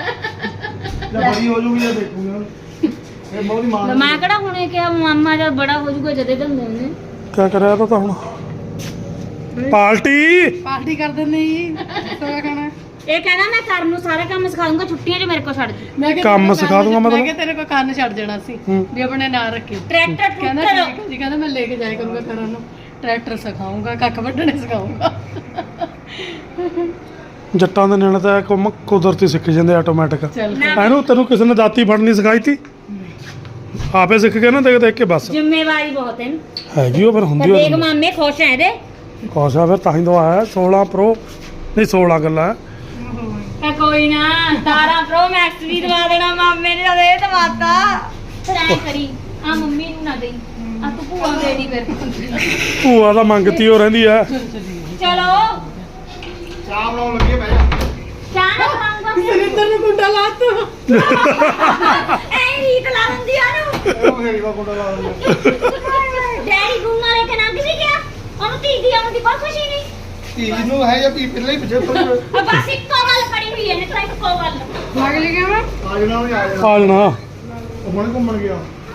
Speaker 4: ਜਦ ਬੜੀ ਹੋ ਜੂਗੀ ਜਾਂ ਦੇਖੂਗਾ ਇਹ ਬਹੁਤ ਹੀ ਮਾਂ
Speaker 2: ਮੈਂ ਕਿਹੜਾ ਹੁਣੇ ਕਿਹਾ ਮਾਮਾ ਜਦ ਬੜਾ ਹੋ ਜਾਊਗਾ ਜਦੇ ਦਿੰਦੇ ਉਹਨੇ
Speaker 1: ਕਿਆ ਕਰਿਆ ਤਾਂ ਹੁਣ ਪਾਰਟੀ
Speaker 3: ਪਾਰਟੀ ਕਰ ਦਿੰਦੇ ਜੀ ਸੋਇਆ ਖਾਣਾ
Speaker 2: ਇਹ ਕਹਿੰਦਾ ਮੈਂ ਕਰਨ ਨੂੰ ਸਾਰਾ ਕੰਮ ਸਿਖਾਉਂਗਾ ਛੁੱਟੀਆਂ 'ਚ ਮੇਰੇ ਕੋਲ ਛੱਡ ਦੇ
Speaker 3: ਮੈਂ ਕਿਹਾ
Speaker 1: ਕੰਮ
Speaker 3: ਤੇਰੇ ਕੋਲ
Speaker 1: ਸਿਖਾ ਦੂੰਗਾ
Speaker 3: ਮੈਂ
Speaker 1: ਮਤਲਬ?
Speaker 3: ਕਿਹਾ ਤੇਰੇ ਕੋਲ ਕੰਨ ਛੱਡ ਜਾਣਾ ਸੀ
Speaker 1: ਹੂੰ।
Speaker 3: ਵੀ ਆਪਣੇ ਨਾਲ ਰੱਖੀ
Speaker 2: ਟਰੈਕਟਰ
Speaker 3: ਕਹਿੰਦਾ
Speaker 2: ਟਰੈਕਟਰ
Speaker 3: ਠੀਕ ਹੈ ਜੀ ਕਹਿੰਦਾ ਮੈਂ ਲੈ ਕੇ ਜਾਇਆ ਕਰੂੰਗਾ ਕਰਨ ਨੂੰ ਟਰੈਕਟਰ ਸਿਖਾਉਂਗਾ ਕੱਖ ਵੱਢਣੇ ਸਿਖਾਉਂਗਾ
Speaker 1: ਜੱਟਾਂ ਦੇ ਨਿਆਣੇ ਤਾਂ ਕੰਮ ਕੁਦਰਤੀ ਸਿੱਖ ਜਾਂਦੇ ਆਟੋਮੈਟਿਕ
Speaker 3: ਚੱਲ
Speaker 2: ਨਾ
Speaker 1: ਇਹਨੂੰ ਤੈਨੂੰ ਕਿਸੇ ਨੇ ਦਾਤੀ ਫੜਨੀ ਸਿਖਾਈ ਤੀ ਆਪੇ ਸਿੱਖ ਕੇ ਨਾ ਦੇਖ ਦੇਖ ਕੇ ਬਸ
Speaker 2: ਜ਼ਿੰਮੇਵਾਰੀ ਬਹੁਤ ਹੈ ਨਾ।
Speaker 1: ਹੈਗੀ ਉਹ ਫਿਰ
Speaker 2: ਤੇ
Speaker 1: ਹੁੰਦੀ
Speaker 2: ਦੇਖ
Speaker 1: ਉਹ
Speaker 2: ਮਾਮੇ ਖੁਸ਼ ਹੈ ਇਹਦੇ
Speaker 1: ਕੋਸਾ ਫਿਰ ਤਾਂ ਹੀ ਤਾਂ ਆਇਆ ਸੋਲਾਂ ਪ੍ਰੋ ਨਹੀਂ ਸੋਲਾਂ ਗੱਲਾਂ
Speaker 2: ਆ ਕੋਈ ਨਾ ਸਤਾਰਾਂ ਪ੍ਰੋ ਮੈਕਸ ਵੀ ਦਵਾ ਦੇਣਾ ਮਾਮੇ ਨੇ ਜਦ ਇਹ ਦਵਾਤਾ ਫਿਰ ਐ ਕਰੀ ਆ ਮੰਮੀ ਨੂੰ ਨਾ ਦੇਈ ਆ ਤੂੰ ਭੂਆ ਨੂੰ ਦੇ ਦੀ ਫਿਰ
Speaker 1: ਭੂਆ ਤਾਂ ਮੰਗਤੀ ਹੋ ਰਹਿੰਦੀ ਆ
Speaker 2: ਚਲੋ
Speaker 4: ਚਾਹ ਬਣਾਉਣ ਲੱਗੇ ਬਹਿ ਜਾ
Speaker 2: ਚਾਹ ਨਾ ਖਾਊਂਗਾ
Speaker 3: ਸਰਿੰਦਰ ਨੂੰ ਕੁੰਡਾ ਲਾਤ
Speaker 2: ਐ ਰੀਤ ਲਾ ਦਿੰਦੀ ਆ ਨੂੰ
Speaker 4: ਉਹ ਮੇਰੀ ਵਾ ਕੋਟਾ ਲਾ ਦਿੰਦਾ
Speaker 2: ਡੈਡੀ ਗੁੰਨਾ ਲੈ ਕੇ ਨਾ ਕਿਵੇਂ ਗਿਆ ਉਹਨੂੰ ਧੀ ਦੀ ਆਉਣ ਦੀ ਬਹੁਤ ਖੁਸ਼ੀ ਨਹੀਂ
Speaker 4: ਧੀ ਨੂੰ ਹੈ ਜਾਂ ਧੀ ਪਹਿਲਾਂ ਹੀ ਪਿੱਛੇ ਤੋਂ
Speaker 2: ਆ ਬਸ ਇੱਕੋ ਗੱਲ ਫੜੀ ਹੋਈ ਹੈ ਨੇ ਤਾਂ ਇੱਕੋ ਗੱਲ
Speaker 3: ਲੱਗ ਲਈ ਗਿਆ ਮੈਂ
Speaker 4: ਆ ਜਣਾ ਵੀ ਆ ਜਾਣਾ
Speaker 1: ਆ ਜਾਣਾ
Speaker 4: ਉਹ ਹੁਣੇ ਘੁੰਮਣ ਗਿਆ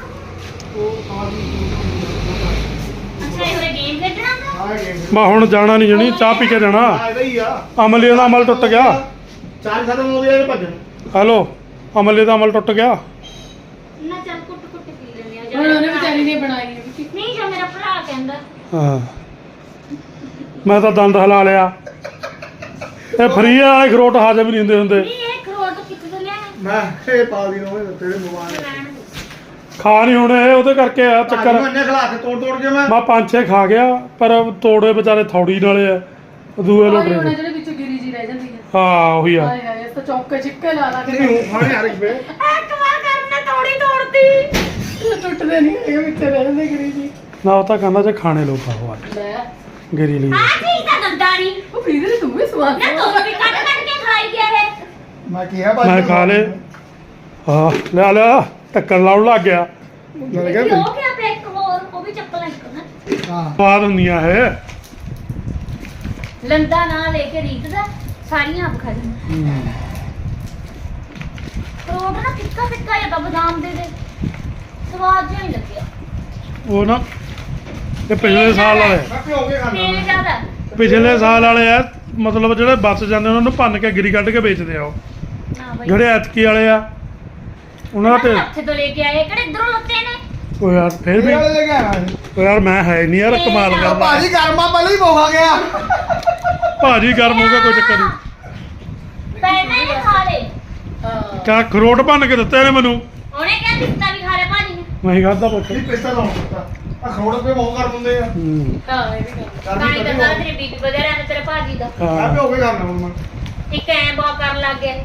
Speaker 2: ਅੱਛਾ ਇਹ ਹੋਰੇ ਗੇਮ ਖੇਡਣਾ ਗਾ?
Speaker 4: ਆ ਗਏ
Speaker 1: ਮੈਂ ਹੁਣ ਜਾਣਾ ਨਹੀਂ ਜਣੀ ਚਾਹ ਪੀ ਕੇ ਜਾਣਾ
Speaker 4: ਆ ਇਹਦਾ ਹੀ ਆ
Speaker 1: ਅਮਲੀ ਦਾ ਅਮਲ ਟੁੱਟ ਗਿਆ
Speaker 4: ਚਾਰ ਖਤਮ ਹੋ ਗਏ ਭੱਜਣ
Speaker 1: ਹੈਲੋ ਅਮਲੀ ਦਾ ਅਮਲ ਟੁੱਟ ਗਿਆ
Speaker 2: ਨਾ ਚੱਲ ਕੁੱਟ ਕੁੱਟ ਪੀ ਲੈਂਦੇ ਆ
Speaker 3: ਹੁਣ ਉਹਨੇ ਵਿਚਾਰੀ ਨੇ ਬਣਾਈ ਹੈ ਵੀ
Speaker 2: ਨਹੀਂ ਜੋ ਮੇਰਾ ਭਰਾ ਕਹਿੰਦਾ
Speaker 1: ਹਾਂ ਮੈਂ ਤਾਂ ਦੰਦ ਹਿਲਾ ਲਿਆ ਇਹ ਫਰੀ ਵਾਲੇ ਖਰੋਟ ਹਾਜ਼ਮ ਨਹੀਂ ਹੁੰਦੇ ਹੁੰਦੇ
Speaker 2: ਨਹੀਂ ਇਹ ਖਰੋਟ ਕਿੱਥੇ ਤੋਂ ਲਿਆ
Speaker 4: ਮੈਂ ਇਹ ਪਾ ਦੀ ਨੋਵੇਂ ਤੇਰੇ ਮੋਬਾਈਲ
Speaker 1: ਖਾ ਨਹੀਂ ਹੁਣ ਇਹ ਉਹਦੇ ਕਰਕੇ ਆ
Speaker 4: ਚੱਕਰ
Speaker 1: ਚੱਕਰ
Speaker 4: ਮੰਨੇ ਖਲਾ ਕੇ ਤੋੜ ਤੋੜ ਕੇ ਮੈਂ
Speaker 1: ਮੈਂ ਪੰਜ ਛੇ ਖਾ ਗਿਆ ਪਰ ਤੋੜੇ ਵਿਚਾਰੇ ਥੌੜੀ ਨਾਲੇ ਆ ਦੂਏ
Speaker 3: ਉਹੀ
Speaker 1: ਲੋਟਰੇ
Speaker 3: ਹੋਣਾ
Speaker 1: ਦੇ।
Speaker 3: ਜਿਹੜੇ ਵਿੱਚੋਂ ਗਿਰੀ ਜੀ ਰਹਿ ਜਾਂਦੀ ਹੈ
Speaker 1: ਹਾਂ ਉਹੀ ਆ
Speaker 3: ਹਾਏ ਹਾਏ ਇਸ ਤਾਂ ਚੌਕੇ ਚਿੱਕੇ ਲਾ ਲਾ ਕੇ
Speaker 4: ਨਹੀਂ ਹੂੰ ਖਾਣੇ ਹਰ ਇੱਕ ਵੇ
Speaker 2: ਇੱਕ ਵਾਰ ਕਰਨੇ ਤੋੜੀ ਤੋੜਦੀ
Speaker 3: ਟੁੱਟਦੇ ਨਹੀਂ ਹੈਗੇ ਵਿੱਚ ਰਹਿ ਜਾਂਦੇ ਗਿਰੀ ਜੀ
Speaker 1: ਨਾ ਉਹ ਤਾਂ ਕਹਿੰਦਾ ਜੇ ਖਾਣੇ ਲੋ ਖਾਓ ਅੱਜ
Speaker 3: ਲੈ
Speaker 1: ਗਿਰੀ ਲਈ
Speaker 2: ਆ ਚੀਜ਼ ਤਾਂ ਗੰਦਾ ਨਹੀਂ
Speaker 3: ਉਹ ਫਰੀਦਰ ਤੂੰ ਵੀ ਸਵਾਦ
Speaker 2: ਨਾ ਤੂੰ ਵੀ ਕੱਟ ਕੱਟ ਕੇ ਖਾਈ ਗਿਆ ਇਹ
Speaker 4: ਮੈਂ ਕਿਹਾ ਭਾਜੀ
Speaker 1: ਮੈਂ ਖਾ ਲੇ ਹਾਂ ਲੈ ਲਿਆ ਟੱਕਰ ਲਾਉਣ ਲੱਗ ਗਿਆ
Speaker 4: ਮੈਂ
Speaker 2: ਇਹ
Speaker 4: ਕਿਹਾ
Speaker 2: ਹੋ ਗਿਆ ਪਿਆ ਇੱਕ ਹੋਰ ਉਹ ਵੀ ਚੱਪਲਾਂ ਇੱਕ ਨਾ
Speaker 4: ਹਾਂ
Speaker 1: ਸਵਾਦ ਹੁੰਦੀਆਂ ਇਹ
Speaker 2: ਲੰਦਾ ਨਾ ਲੈ ਕੇ ਰੀਤ ਦਾ ਸਾਰੀਆਂ ਆਪ ਖਾ ਲਈ
Speaker 1: ਹੂੰ।
Speaker 2: ਫਰੂਟ ਨਾ ਫਿੱਕਾ ਫਿੱਕਾ ਜਿਹਾ ਤਾਂ ਬਦਾਮ ਦੇ ਦੇ ਸਵਾਦ ਜਿਹਾ ਨਹੀਂ ਲੱਗਿਆ
Speaker 1: ਉਹ ਨਾ ਇਹ ਪਿਛਲੇ ਸਾਲ ਵਾਲੇ
Speaker 4: ਮੈਂ ਭਿਓ ਕੇ ਖਾਣਾ
Speaker 2: ਤੇਲ ਜ਼ਿਆਦਾ
Speaker 1: ਪਿਛਲੇ ਸਾਲ ਵਾਲੇ ਆ ਮਤਲਬ ਜਿਹੜੇ ਬਚ ਜਾਂਦੇ ਉਹਨਾਂ ਨੂੰ ਭੰਨ ਕੇ ਗਿਰੀ ਕੱਢ ਕੇ ਵੇਚਦੇ ਆ ਉਹ
Speaker 2: ਨਾ ਬਈ
Speaker 1: ਜਿਹੜੇ ਐਤਕੀ ਵਾਲੇ ਆ ਉਹਨਾਂ ਦਾ ਤੇ
Speaker 2: ਹੱਥੇ ਤੋਂ ਲੈ ਕੇ ਆਏ ਕਿਹੜੇ ਇਧਰੋਂ ਲੱਤੇ ਨੇ
Speaker 1: ਉਹ ਯਾਰ ਫੇਰ ਵੀ
Speaker 4: ਇਹ ਵਾਲੇ ਲੈ ਕੇ ਆਇਆ ਸੀ।
Speaker 1: ਉਹ ਯਾਰ ਮੈਂ ਹੈ ਨਹੀਂ ਯਾਰ ਕਮਾਲ
Speaker 4: ਆ
Speaker 1: ਕਰਦਾ
Speaker 4: ਭਾਜੀ ਗਰਮਾ ਪਹਿਲਾਂ ਹੀ ਬੋਹਾ ਗਿਆ
Speaker 1: ਭਾਜੀ ਗਰਮ ਹੋ ਗਿਆ ਕੋਈ ਚੱਕਰ ਨਹੀਂ
Speaker 2: ਪਹਿਲਾਂ ਹੀ ਖਾ ਲੇ
Speaker 3: ਹਾਂ
Speaker 1: ਕਾ ਖਰੋਟ ਭੰਨ ਕੇ ਦਿੱਤੇ ਨੇ ਮੈਨੂੰ
Speaker 2: ਉਹਨੇ ਕਿਹਾ ਦਿੱਤਾ ਵੀ ਖਾ ਲੈ ਭਾਜੀ ਨੇ
Speaker 1: ਮੈਂ ਖਾਦਾ ਪੁੱਛ
Speaker 4: ਨਹੀਂ ਪੈਸਾ ਲਾਉਣ ਦਿੱਤਾ ਆ ਖਰੋੜ ਰੁਪਏ ਬਹੁਤ ਕਰ ਦਿੰਦੇ ਆ
Speaker 1: ਹੂੰ
Speaker 3: ਹਾਂ ਇਹ ਵੀ ਗੱਲ
Speaker 2: ਤਾਂ ਹੀ
Speaker 4: ਕਰਦੀ
Speaker 2: ਤਾਂ ਤੇਰੀ ਬੀਬੀ ਵਧਿਆ ਰਹਿੰਦਾ ਤੇਰੇ ਭਾਜੀ ਦਾ
Speaker 4: ਮੈਂ
Speaker 1: ਹਾਂ
Speaker 4: ਭਿਓ ਕੇ ਕਰਨਾ ਹੁਣ ਮੈਂ
Speaker 2: ਇੱਕ ਐ ਬਾ ਕਰਨ ਲੱਗ ਗਿਆ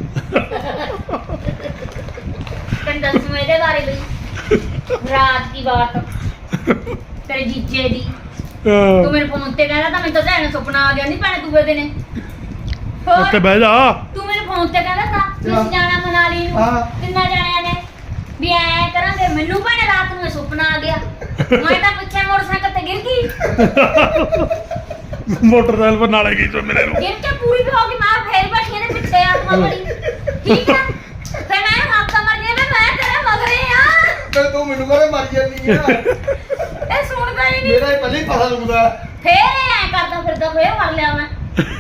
Speaker 2: ਤੈਨੂੰ ਦੱਸੂ ਇਹਦੇ ਬਾਰੇ ਵੀ ਰਾਤ ਦੀ ਬਾਤ ਤੇਰੇ ਜੀਜੇ ਦੀ ਤੂੰ ਮੇਰੇ ਫੋਨ ਤੇ ਕਹਿੰਦਾ ਤਾਂ ਮੈਨੂੰ ਤਾਂ ਭੈਣ ਸੁਪਨਾ ਆ ਗਿਆ ਨਹੀਂ ਭੈਣ ਦੂਏ ਦਿਨੇ ਹੋਰ
Speaker 1: ਉੱਥੇ ਬਹਿ ਜਾ
Speaker 2: ਤੂੰ ਮੇਰੇ ਫੋਨ ਤੇ ਕਹਿੰਦਾ ਤਾਂ ਤੁਸੀਂ ਜਾਣਾ ਮਨਾਲੀ ਨੂੰ
Speaker 4: ਹਾਂ।
Speaker 2: ਕਿੰਨਾ ਜਾਣਿਆਂ ਨੇ ਵੀ ਐ ਕਰਾਂਗੇ ਮੈਨੂੰ ਭੈਣ ਰਾਤ ਨੂੰ ਇਹ ਸੁਪਨਾ ਆ ਗਿਆ ਮੈਂ ਤਾਂ ਪੁੱਛਿਆ ਮੋਟਰਸਾਈਕਲ ਤੇ ਗਿਰ ਗਈ
Speaker 1: ਮੋਟਰਸਾਈਕਲ ਪਰ ਨਾਲੇ ਗਈ ਸੋ ਮੇਰੇ ਨੂੰ
Speaker 2: ਗਿਰ ਕੇ ਪੂਰੀ ਵੀ ਹੋ ਗਈ ਮਾਰ ਫੇਰ ਬੈਠੀ ਇਹਦੇ ਪਿੱਛੇ ਆਤਮਾ ਬੜੀ ਠੀਕ ਹੈ ਫਿਰ ਮੈਂ ਹਾਕਾ ਮਰ ਗਿਆ ਮੈਂ ਮੈਂ ਤੇਰੇ ਮਗਰੇ ਆ
Speaker 4: ਤੇ ਤੂੰ ਮੈਨੂੰ ਕਹਿੰਦੇ ਮਰ ਜਾਂਦੀ ਆ
Speaker 2: ਇਹ ਸੁਣਦਾ ਹੀ ਨਹੀਂ
Speaker 4: ਮੇਰਾ ਹੀ ਪਹਿਲਾਂ ਹੀ ਪਤਾ ਲੱਗਦਾ
Speaker 2: ਫੇਰ ਇਹ ਐ ਕਰਦਾ ਫਿਰਦਾ ਫੇਰ ਮਰ ਲਿਆ ਮੈਂ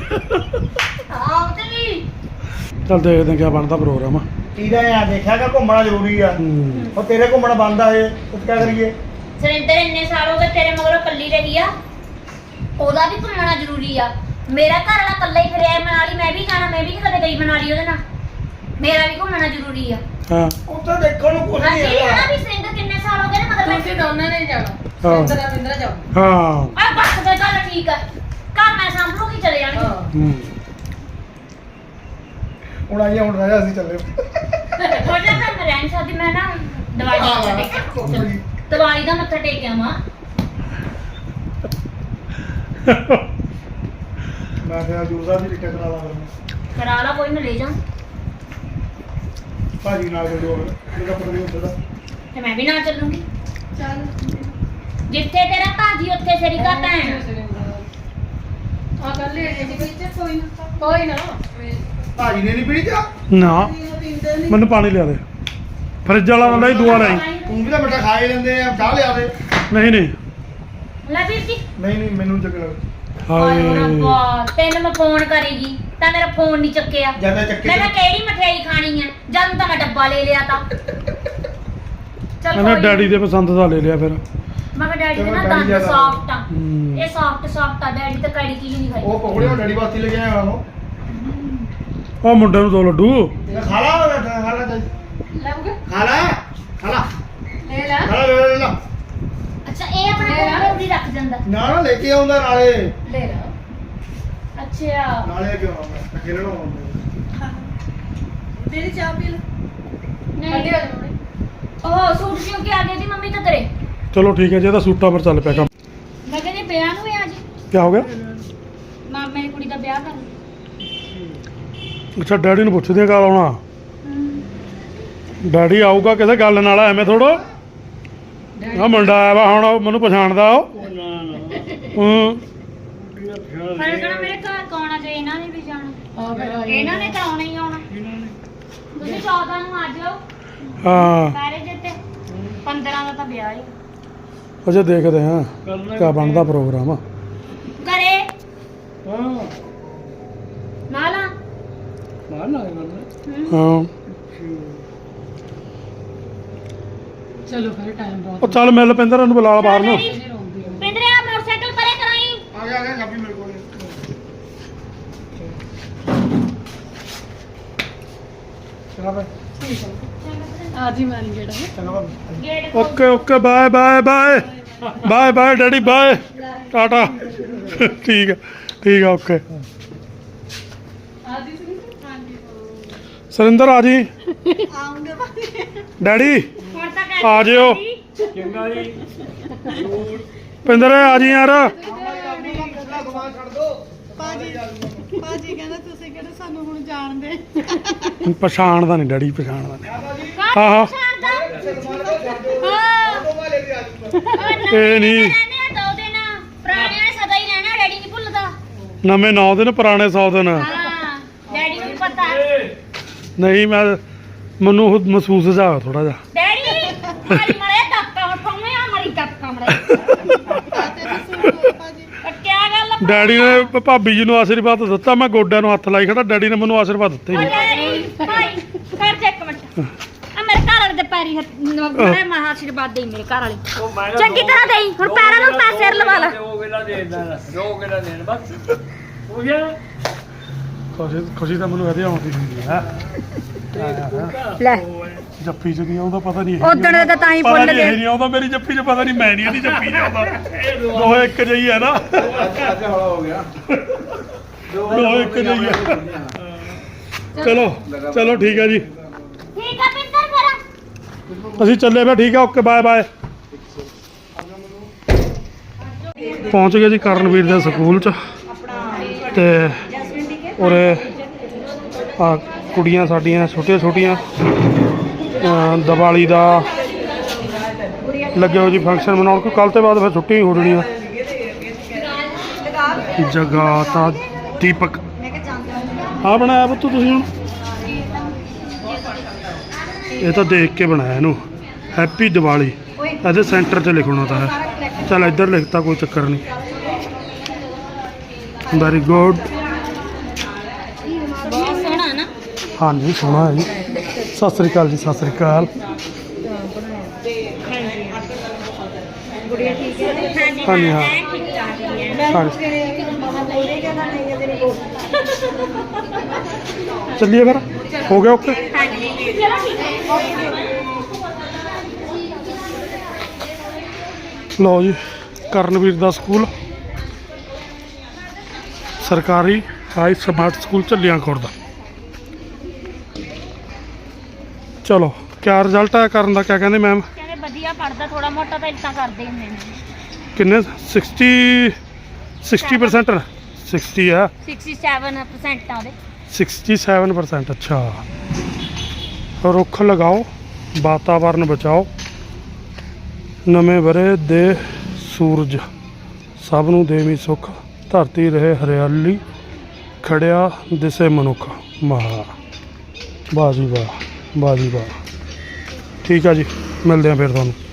Speaker 2: ਆਪ ਤੇ ਵੀ
Speaker 1: ਚੱਲ ਦੇਖਦੇ ਹਾਂ ਕੀ ਬਣਦਾ ਪ੍ਰੋਗਰਾਮ
Speaker 4: ਤੀਰਾ ਆ ਦੇਖਿਆ ਕਿ ਘੁੰਮਣਾ ਜ਼ਰੂਰੀ ਆ
Speaker 1: ਹੂੰ
Speaker 4: ਉਹ ਤੇਰੇ ਘੁੰਮਣਾ ਬੰਦ ਆ ਇਹ ਉਹ ਕੀ ਕਰੀਏ
Speaker 2: ਸਰਿੰਦਰ ਇੰਨੇ ਸਾਲ ਹੋ ਗਏ ਤੇਰੇ ਮਗਰੋਂ ਕੱਲੀ ਰਹੀ ਆ ਉਹਦਾ ਵੀ ਘੁੰਮਣਾ ਜ਼ਰੂਰੀ ਆ ਮੇਰਾ ਘਰ ਵਾਲਾ ਕੱਲਾ ਹੀ ਫਿਰਿਆ ਮਨਾਲੀ ਮੈਂ ਵੀ ਜਾਣਾ ਮੈਂ ਵੀ ਨੀ ਕਦੇ ਗਈ ਮਨਾਲੀ ਉਹਦੇ ਨਾਲ ਮੇਰਾ ਵੀ ਘੁੰਮਣਾ ਜ਼ਰੂਰੀ ਆ
Speaker 1: ਹਾਂ
Speaker 4: ਉੱਥੇ ਦੇਖਣ ਨੂੰ ਕੁਝ ਨਹੀਂ
Speaker 2: ਅਸੀਂ
Speaker 4: ਹੈਗਾ
Speaker 2: ਹਨਾ ਵੀ ਸਰਿੰਦਰ ਕਿੰਨੇ ਸਾਲ ਹੋ ਗਏ ਨੇ ਮਤਲਬ
Speaker 3: ਤੁਸੀਂ ਦੋਨਾਂ ਨੇ ਜਾਣਾ
Speaker 1: ਹਾਂ।
Speaker 3: ਇੰਦਰਾ ਬਿੰਦਰਾ ਜਾਓ
Speaker 1: ਹਾਂ
Speaker 2: ਆ ਬਸ ਤੇ ਗੱਲ ਠੀਕ ਆ ਘਰ ਮੈਂ ਸੰਭਲੂਗੀ ਚਲੇ ਜਾਣਗੇ
Speaker 3: ਹਾਂ
Speaker 1: ਹੂੰ
Speaker 4: ਹੁਣ ਆਈਏ ਹੁਣ ਰਾਜਾ ਅਸੀਂ ਚੱਲੇ
Speaker 2: ਥੋੜਾ ਜਿਹਾ ਮੈਂ ਰਹਿਣ ਸਕਦੀ ਮੈਂ ਨਾ ਦਵਾਈ ਦਾ ਮੱਥਾ ਟੇਕ ਦਵਾਈ ਦਾ ਮੱਥਾ ਟੇਕ ਆਵਾਂ
Speaker 4: ਮੈਂ ਕਿਹਾ ਜੂਸਾ ਦੀ ਟਿਕਟ ਕਰਾ ਲਾ ਫਿਰ
Speaker 2: ਕਰਾ ਲਾ ਕੋਈ ਨਾ ਲੈ ਜਾ
Speaker 4: ਭਾਜੀ ਨਾਲ ਜੋ ਜਿਹੜਾ ਪਤਾ ਨਹੀਂ ਹੁੰਦਾ
Speaker 2: ਤੇ ਮੈਂ ਵੀ ਨਾਲ ਚੱਲੂਗੀ
Speaker 3: ਚੱਲ
Speaker 2: ਜਿੱਥੇ ਤੇਰਾ ਭਾਜੀ ਉੱਥੇ ਤੇਰੀ ਘਰ ਭੈਣ
Speaker 3: ਆ ਕਰ ਲੈ ਜੀ ਵਿੱਚ ਕੋਈ ਨਾ ਕੋਈ ਨਾ
Speaker 4: ਭਾਜੀ ਨੇ ਨਹੀਂ ਪੀਣੀ ਚਾਹ
Speaker 1: ਨਾ
Speaker 3: ਪੀਂਦੇ ਨਹੀਂ
Speaker 1: ਮੈਨੂੰ ਪਾਣੀ ਲਿਆ ਦੇ ਫਰਿੱਜ ਵਾਲਾ ਨਾਲ ਹੀ ਦੁਆ ਲਈ
Speaker 4: ਤੂੰ ਵੀ ਤਾਂ ਮਿੱਠਾ ਖਾ ਹੀ ਲੈਂਦੇ ਆ ਚਾਹ ਲਿਆ ਦੇ
Speaker 1: ਨਹੀਂ ਨਹੀਂ
Speaker 2: ਲੈ ਵੀਰ ਜੀ
Speaker 4: ਨਹੀਂ ਨਹੀਂ ਮੈਨੂੰ ਚੱਕਰ
Speaker 2: ਹਾਏ
Speaker 1: ਹਾਏ
Speaker 2: ਰੱਬਾ ਤੈਨੂੰ ਮੈਂ ਫੋਨ ਕਰੇਗੀ ਤਾਂ ਮੇਰਾ ਫੋਨ ਨਹੀਂ ਚੱਕਿਆ
Speaker 4: ਜਿਆਦਾ ਚੱਕੇ
Speaker 2: ਮੈਂ ਕਿਹਾ ਕਿਹੜੀ ਮਠਿਆਈ ਖਾਣੀ ਹੈ ਜਦ ਤਾਂ ਮੈਂ ਡੱਬਾ ਲੈ ਲਿਆ ਤਾਂ ਚੱਲ
Speaker 1: ਇਹਨੇ
Speaker 2: ਕੋਈ
Speaker 1: ਡੈਡੀ ਦੇ ਪਸੰਦ ਦਾ ਲੈ ਲਿਆ ਫਿਰ
Speaker 2: ਮੈਂ ਕਿਹਾ ਡੈਡੀ ਦੇ ਨਾ
Speaker 4: ਡੈਡੀ
Speaker 2: ਦੰਦ
Speaker 4: ਜ਼ਿਆਦਾ-
Speaker 2: ਸੌਫਟ ਆ
Speaker 1: ਹੂੰ।
Speaker 2: ਇਹ ਸੌਫਟ ਸੌਫਟ ਆ ਡੈਡੀ ਤਾਂ ਕੜੀ ਚੀਜ਼ ਨਹੀਂ ਖਾਈ
Speaker 4: ਉਹ ਪਕੌੜੇ ਉਹ ਡੈਡੀ ਵਾਸਤੇ ਲੈ ਕੇ ਆਇਆ ਉਹ
Speaker 1: ਉਹ ਮੁੰਡੇ ਨੂੰ ਦੋ ਲੱਡੂ
Speaker 4: ਇਹ ਖਾ ਲਾ ਉਹ ਖਾ ਲਾ ਚੱਲ।
Speaker 3: ਲੱਗ
Speaker 4: ਖਾ ਲਾ ਖਾ ਲਾ
Speaker 3: ਲੈ ਲੈ
Speaker 4: ਖਾ ਲਾ ਲੈ ਲੈ ਲੈ
Speaker 2: ਅੱਛਾ ਇਹ ਆਪਣਾ
Speaker 3: ਮੇਰਾ?
Speaker 2: ਕੋਲ ਵੀ ਰੱਖ ਜਾਂਦਾ
Speaker 4: ਨਾ ਨਾ ਲੈ ਕੇ ਆਉਂਦਾ ਨਾਲੇ
Speaker 3: ਲੈ ਲੈ
Speaker 2: ਅੱਛਾ
Speaker 4: ਨਾਲੇ ਕਿਉਂ ਆਉਂਦਾ ਖੇਲਣਾ ਆਉਂਦਾ
Speaker 3: ਤੇਰੀ ਚਾਹ ਪੀ ਲੈ
Speaker 2: ਨਹੀਂ
Speaker 3: ਅੱਡੇ ਆ ਜਾਣੇ
Speaker 2: ਉਹ ਸੂਟ ਸਿਉਂ ਕੇ ਆ ਗਈ ਸੀ ਮੰਮੀ ਤਾਂ ਤੇਰੇ
Speaker 1: ਚਲੋ ਠੀਕ ਹੈ ਜੀ ਇਹਦਾ ਸੂਟਾਂ ਪਰ ਚੱਲ ਪਿਆ ਕੰਮ
Speaker 2: ਮੈਂ ਕਹਿੰਦੀ ਵਿਆਹ ਨੂੰ ਆ ਜੀ
Speaker 1: ਕੀ ਹੋ ਗਿਆ
Speaker 2: ਮਾਮੇ ਦੀ ਕੁੜੀ ਦਾ ਵਿਆਹ ਕਰ
Speaker 1: ਅੱਛਾ ਡੈਡੀ ਨੂੰ ਪੁੱਛਦੇ ਆ ਕਦ ਆਉਣਾ ਡੈਡੀ ਆਊਗਾ ਕਿਸੇ ਗੱਲ ਨਾਲ ਐਵੇਂ ਥੋੜੋ ਆ ਮੁੰਡਾ ਆਇਆ ਵਾ ਹੁਣ ਉਹ ਮੈਨੂੰ ਪਛਾਣਦਾ ਉਹ ਹੂੰ
Speaker 2: ਪਰ ਕਿਹੜਾ ਮੇਰੇ ਘਰ ਕੌਣਾ ਜੇ ਇਹਨਾਂ ਨੇ ਵੀ ਜਾਣਾ
Speaker 3: ਆ ਫਿਰ ਆਈ
Speaker 2: ਇਹਨਾਂ ਨੇ ਤਾਂ ਆਉਣਾ ਹੀ ਆਉਣਾ ਤੁਸੀਂ ਚੌਦਾਂ ਨੂੰ ਆ ਜਾਓ
Speaker 1: ਹਾਂ
Speaker 2: ਮੈਰਿਜ ਤੇ ਪੰਦਰਾਂ ਦਾ ਤਾਂ ਵਿਆਹ ਹੈ
Speaker 1: ਅਜੇ ਦੇਖਦੇ ਹਾਂ ਕੀ ਬਣਦਾ ਪ੍ਰੋਗਰਾਮ
Speaker 2: ਕਰੇ
Speaker 5: ਹਾਂ
Speaker 2: ਨਾਲਾ
Speaker 5: ਮਾਰ ਨਾ ਗੱਲ
Speaker 1: ਹਾਂ
Speaker 3: ਚਲੋ ਫਿਰ ਟਾਈਮ ਬਹੁਤ
Speaker 1: ਉਹ ਚੱਲ ਮਿਲ ਪਿੰਦਰ ਨੂੰ ਬੁਲਾ ਬਾਹਰ ਨੂੰ
Speaker 3: ਨਹੀਂ ਰੋਂਦੀ ਆ।
Speaker 2: ਪਿੰਦਰੇ ਆ ਮੋਟਰਸਾਈਕਲ ਪਰੇ ਕਰਾਈ
Speaker 4: ਆ ਗਿਆ ਆ ਗਿਆ ਕਾਪੀ ਮੇਰੇ ਕੋਲ ਚਲਾ ਬਈ
Speaker 3: ਠੀਕ ਹੈ ਆ ਜੀ ਮਾਰੀ ਗੇੜਾ
Speaker 4: ਚੰਗਾ ਬਾਬਾ
Speaker 2: gate
Speaker 1: okay okay bye bye bye bye bye daddy bye tata ਠੀਕ ਹੈ ਠੀਕ ਹੈ ਓਕੇ
Speaker 3: ਆ ਜੀ ਸੁਣੀ
Speaker 1: ਸਰਿੰਦਰ ਆ ਜੀ
Speaker 2: ਆਉਂਗੇ
Speaker 1: ਡੈਡੀ
Speaker 2: ਹੁਣ ਤਾਂ
Speaker 1: ਆ ਜਿਓ
Speaker 5: ਚੰਗਾ ਜੀ ਜ਼ਰੂਰ
Speaker 1: ਪਿੰਦਰ ਆ ਜੀ ਯਾਰ।
Speaker 4: ਪਿਛਲਾ ਸਮਾਨ ਛੱਡ ਦੋ
Speaker 3: ਪਾਜੀ ਪਾਜੀ ਕਹਿੰਦਾ ਤੁਸੀਂ ਕਿਹੜੇ ਸਾਨੂੰ ਹੁਣ ਜਾਣਦੇ।
Speaker 1: ਪਛਾਣਦਾ ਨਹੀਂ ਡੈਡੀ, ਪਛਾਣਦਾ ਨਹੀਂ।
Speaker 2: ਹਾਂ
Speaker 1: ਹਾਂ। ਇਹ ਨਹੀਂ
Speaker 2: ਦੋ ਦਿਨ ਪੁਰਾਣਿਆਂ ਨੇ ਸਦਾ ਹੀ ਰਹਿਣਾ, ਡੈਡੀ ਨਹੀਂ ਭੁੱਲਦਾ।
Speaker 1: ਨਵੇਂ ਨੌ ਦਿਨ ਪੁਰਾਣੇ ਸੌ ਦਿਨ।
Speaker 2: ਹਾਂ ਡੈਡੀ ਨੂੰ ਵੀ ਪਤਾ।
Speaker 1: ਨਹੀਂ ਮੈਂ ਮੈਨੂੰ ਉਹ ਮਹਿਸੂਸ ਜਾ ਥੋੜਾ ਜਿਹਾ।
Speaker 2: ਡੈਡੀ ਮਾਰੀ ਮੜੇ ਤੱਕਾ ਫੋਨੇ ਆ ਮਰੀ ਤੱਕਾ ਮੜੇ ਕੀ ਗੱਲ ਆ?
Speaker 1: ਡੈਡੀ ਨੇ ਭ- ਭਾਬੀ ਜੀ ਨੂੰ ਆਸ਼ੀਰਵਾਦ ਦਿੱਤਾ, ਮੈਂ ਗੋਡਿਆਂ ਨੂੰ ਹੱਥ ਲਾਈ ਖੜਾ, ਡੈਡੀ ਨੇ ਮੈਨੂੰ ਆਸ਼ੀਰਵਾਦ ਦਿੱਤਾ ਹੀ
Speaker 2: ਓ
Speaker 1: ਨਹੀਂ।
Speaker 2: ਡੈਡੀ ਭਾਈ ਕਰ ਜਾ ਇੱਕ ਮਿੰਟ ਆ ਮੇਰੇ ਘਰ ਵਾਲੇ ਦੇ ਪੈਰੀ ਮੈਂ ਮਹਾ ਆਸ਼ੀਰਵਾਦ ਦੇਈ ਮੇਰੇ ਘਰ ਵਾਲੇ
Speaker 5: ਉਹ ਮੈਂ ਕਿਹਾ
Speaker 2: ਚੰਗੀ ਤਰ੍ਹਾਂ ਦੇਈ। ਹੁਣ ਪੈਰਾਂ ਨੂੰ ਪੈਸੇ ਲਵਾ ਲਾ।
Speaker 5: ਦੋ ਕਿਲਾ ਦੇ ਦੇਣਾ, ਦੋ ਕਿਲਾ ਦੇਣ ਬਸ ਹੋ ਗਿਆ।
Speaker 1: ਖੁਸ਼ੀ ਖੁਸ਼ੀ ਤਾਂ ਮੈਨੂੰ ਇਹਦੇ ਆਉਂਦੀ ਹੁੰਦੀ ਹੈ।
Speaker 2: ਲੈ
Speaker 1: ਜੱਫੀ ਚ ਨਹੀਂ ਆਉਂਦਾ, ਪਤਾ ਨਹੀਂ
Speaker 2: ਉਦਣ ਦਾ ਤਾਂ ਹੀ
Speaker 1: ਪਤਾ
Speaker 2: ਭੁੱਲ
Speaker 1: ਨਹੀਂ
Speaker 2: ਗਏ।
Speaker 1: ਇਹ ਨਹੀਂ ਆਉਂਦਾ ਮੇਰੀ ਜੱਫੀ ਚ, ਪਤਾ ਨਹੀਂ ਮੈਂ ਨਹੀਂ ਇਹਦੀ ਜੱਫੀ ਚ ਆਉਂਦਾ। ਦੋਹੇ ਇੱਕ ਜਿਹੀ ਹੈ ਨਾ,
Speaker 4: ਅੱਜ ਹੌਲਾ ਹੋ ਗਿਆ
Speaker 1: ਦੋਹੇ ਇੱਕ ਜਿਹੀ ਹੈ। ਚਲੋ ਚਲੋ ਠੀਕ ਹੈ ਜੀ,
Speaker 2: ਠੀਕ ਆ ਪਿੰਦਰ ਫਿਰ
Speaker 1: ਅਸੀਂ ਚੱਲੇ ਫਿਰ। ਠੀਕ ਹੈ, ਓਕੇ ਬਾਏ ਬਾਏ। ਪਹੁੰਚ ਗਏ ਜੀ ਕਰਨਵੀਰ ਦੇ ਸਕੂਲ ਚ, ਤੇ ਉਰੇ ਆ ਕੁੜੀਆਂ ਸਾਡੀਆਂ ਛੋਟੀਆਂ ਛੋਟੀਆਂ ਅਹ ਦੀਵਾਲੀ ਦਾ ਲੱਗੇ ਹੋ ਜੀ ਫੰਕਸ਼ਨ ਮਨਾਉਣ। ਕੋਈ ਕੱਲ ਤੋਂ ਬਾਅਦ ਫਿਰ ਛੁੱਟੀ ਹੋ ਜਾਣੀ ਆ। ਜਗਾਤਾ ਦੀਪਕ ਆ ਬਣਾਇਆ ਪੁੱਤ ਤੁਸੀਂ ਹੁਣ? ਇਹ ਤਾਂ ਦੇਖ ਕੇ ਬਣਾਇਆ ਇਹਨੂੰ, ਹੈਪੀ ਦੀਵਾਲੀ। ਇਹਦੇ ਸੈਂਟਰ 'ਚ ਲਿਖਣਾ ਤਾਂ ਹੈ। ਚੱਲ ਇੱਧਰ ਲਿਖਤਾ, ਕੋਈ ਚੱਕਰ ਨਹੀਂ। Very good.
Speaker 2: ਬਹੁਤ ਸੋਹਣਾ ਨਾ।
Speaker 1: ਹਾਂਜੀ ਸੋਹਣਾ ਹੈ ਜੀ। ਸਤਿ ਸ੍ਰੀ ਅਕਾਲ ਜੀ, ਸਤਿ ਸ੍ਰੀ ਅਕਾਲ।
Speaker 2: ਗੁੜੀਆ ਠੀਕ ਹੈ?
Speaker 1: ਹਾਂਜੀ ਹਾਂ
Speaker 2: ਠੀਕ ਠਾਕ ਹੀ ਹੈ।
Speaker 1: ਹਾਂਜੀ ਚੱਲੀਏ ਫਿਰ, ਹੋ ਗਿਆ ਓਕੇ।
Speaker 2: ਹਾਂਜੀ ਚਲੋ ਠੀਕ ਹੈ।
Speaker 1: ਲਓ ਜੀ ਕਰਨਵੀਰ ਦਾ ਸਕੂਲ ਸਰਕਾਰੀ high smart school Jhallian Khurd. ਚਲੋ ਕਿਆ ਰਿਜ਼ਲਟ ਆਇਆ ਕਰਨ ਦਾ, ਕਿਆ ਕਹਿੰਦੇ ਮੈਮ?
Speaker 2: ਕਹਿੰਦੇ ਵਧੀਆ ਪੜਦਾ, ਥੋੜਾ ਮੋਟਾ ਤਾਂ ਇਦਾਂ ਕਰਦੇ ਹੁੰਦੇ ਨੇ।
Speaker 1: ਕਿੰਨੇ ਸਿਕਸਟੀ ਸਿਕਸਟੀ ਪਰਸੈਂਟ ਸਿਕਸਟੀ ਆ
Speaker 2: ਸੱਠ ਪਰਸੈਂਟ ਆ ਉਹਦੇ।
Speaker 1: Sixty seven percent. ਅੱਛਾ, ਰੁੱਖ ਲਗਾਓ, ਵਾਤਾਵਰਨ ਬਚਾਓ, ਨਵੇਂ ਵਰੇ ਦੇ ਸੂਰਜ ਸਭ ਨੂੰ ਦੇਵੀ ਸੁੱਖ, ਧਰਤੀ ਰਹੇ ਹਰਿਆਲੀ, ਖੜਿਆ ਦਿਸੇ ਮਨੁੱਖ। ਵਾਹ ਵਾਹ ਜੀ ਵਾਹ, ਵਾਹ ਜੀ ਵਾਹ। ਠੀਕ ਆ ਜੀ, ਮਿਲਦੇ ਆ ਫਿਰ ਤੁਹਾਨੂੰ।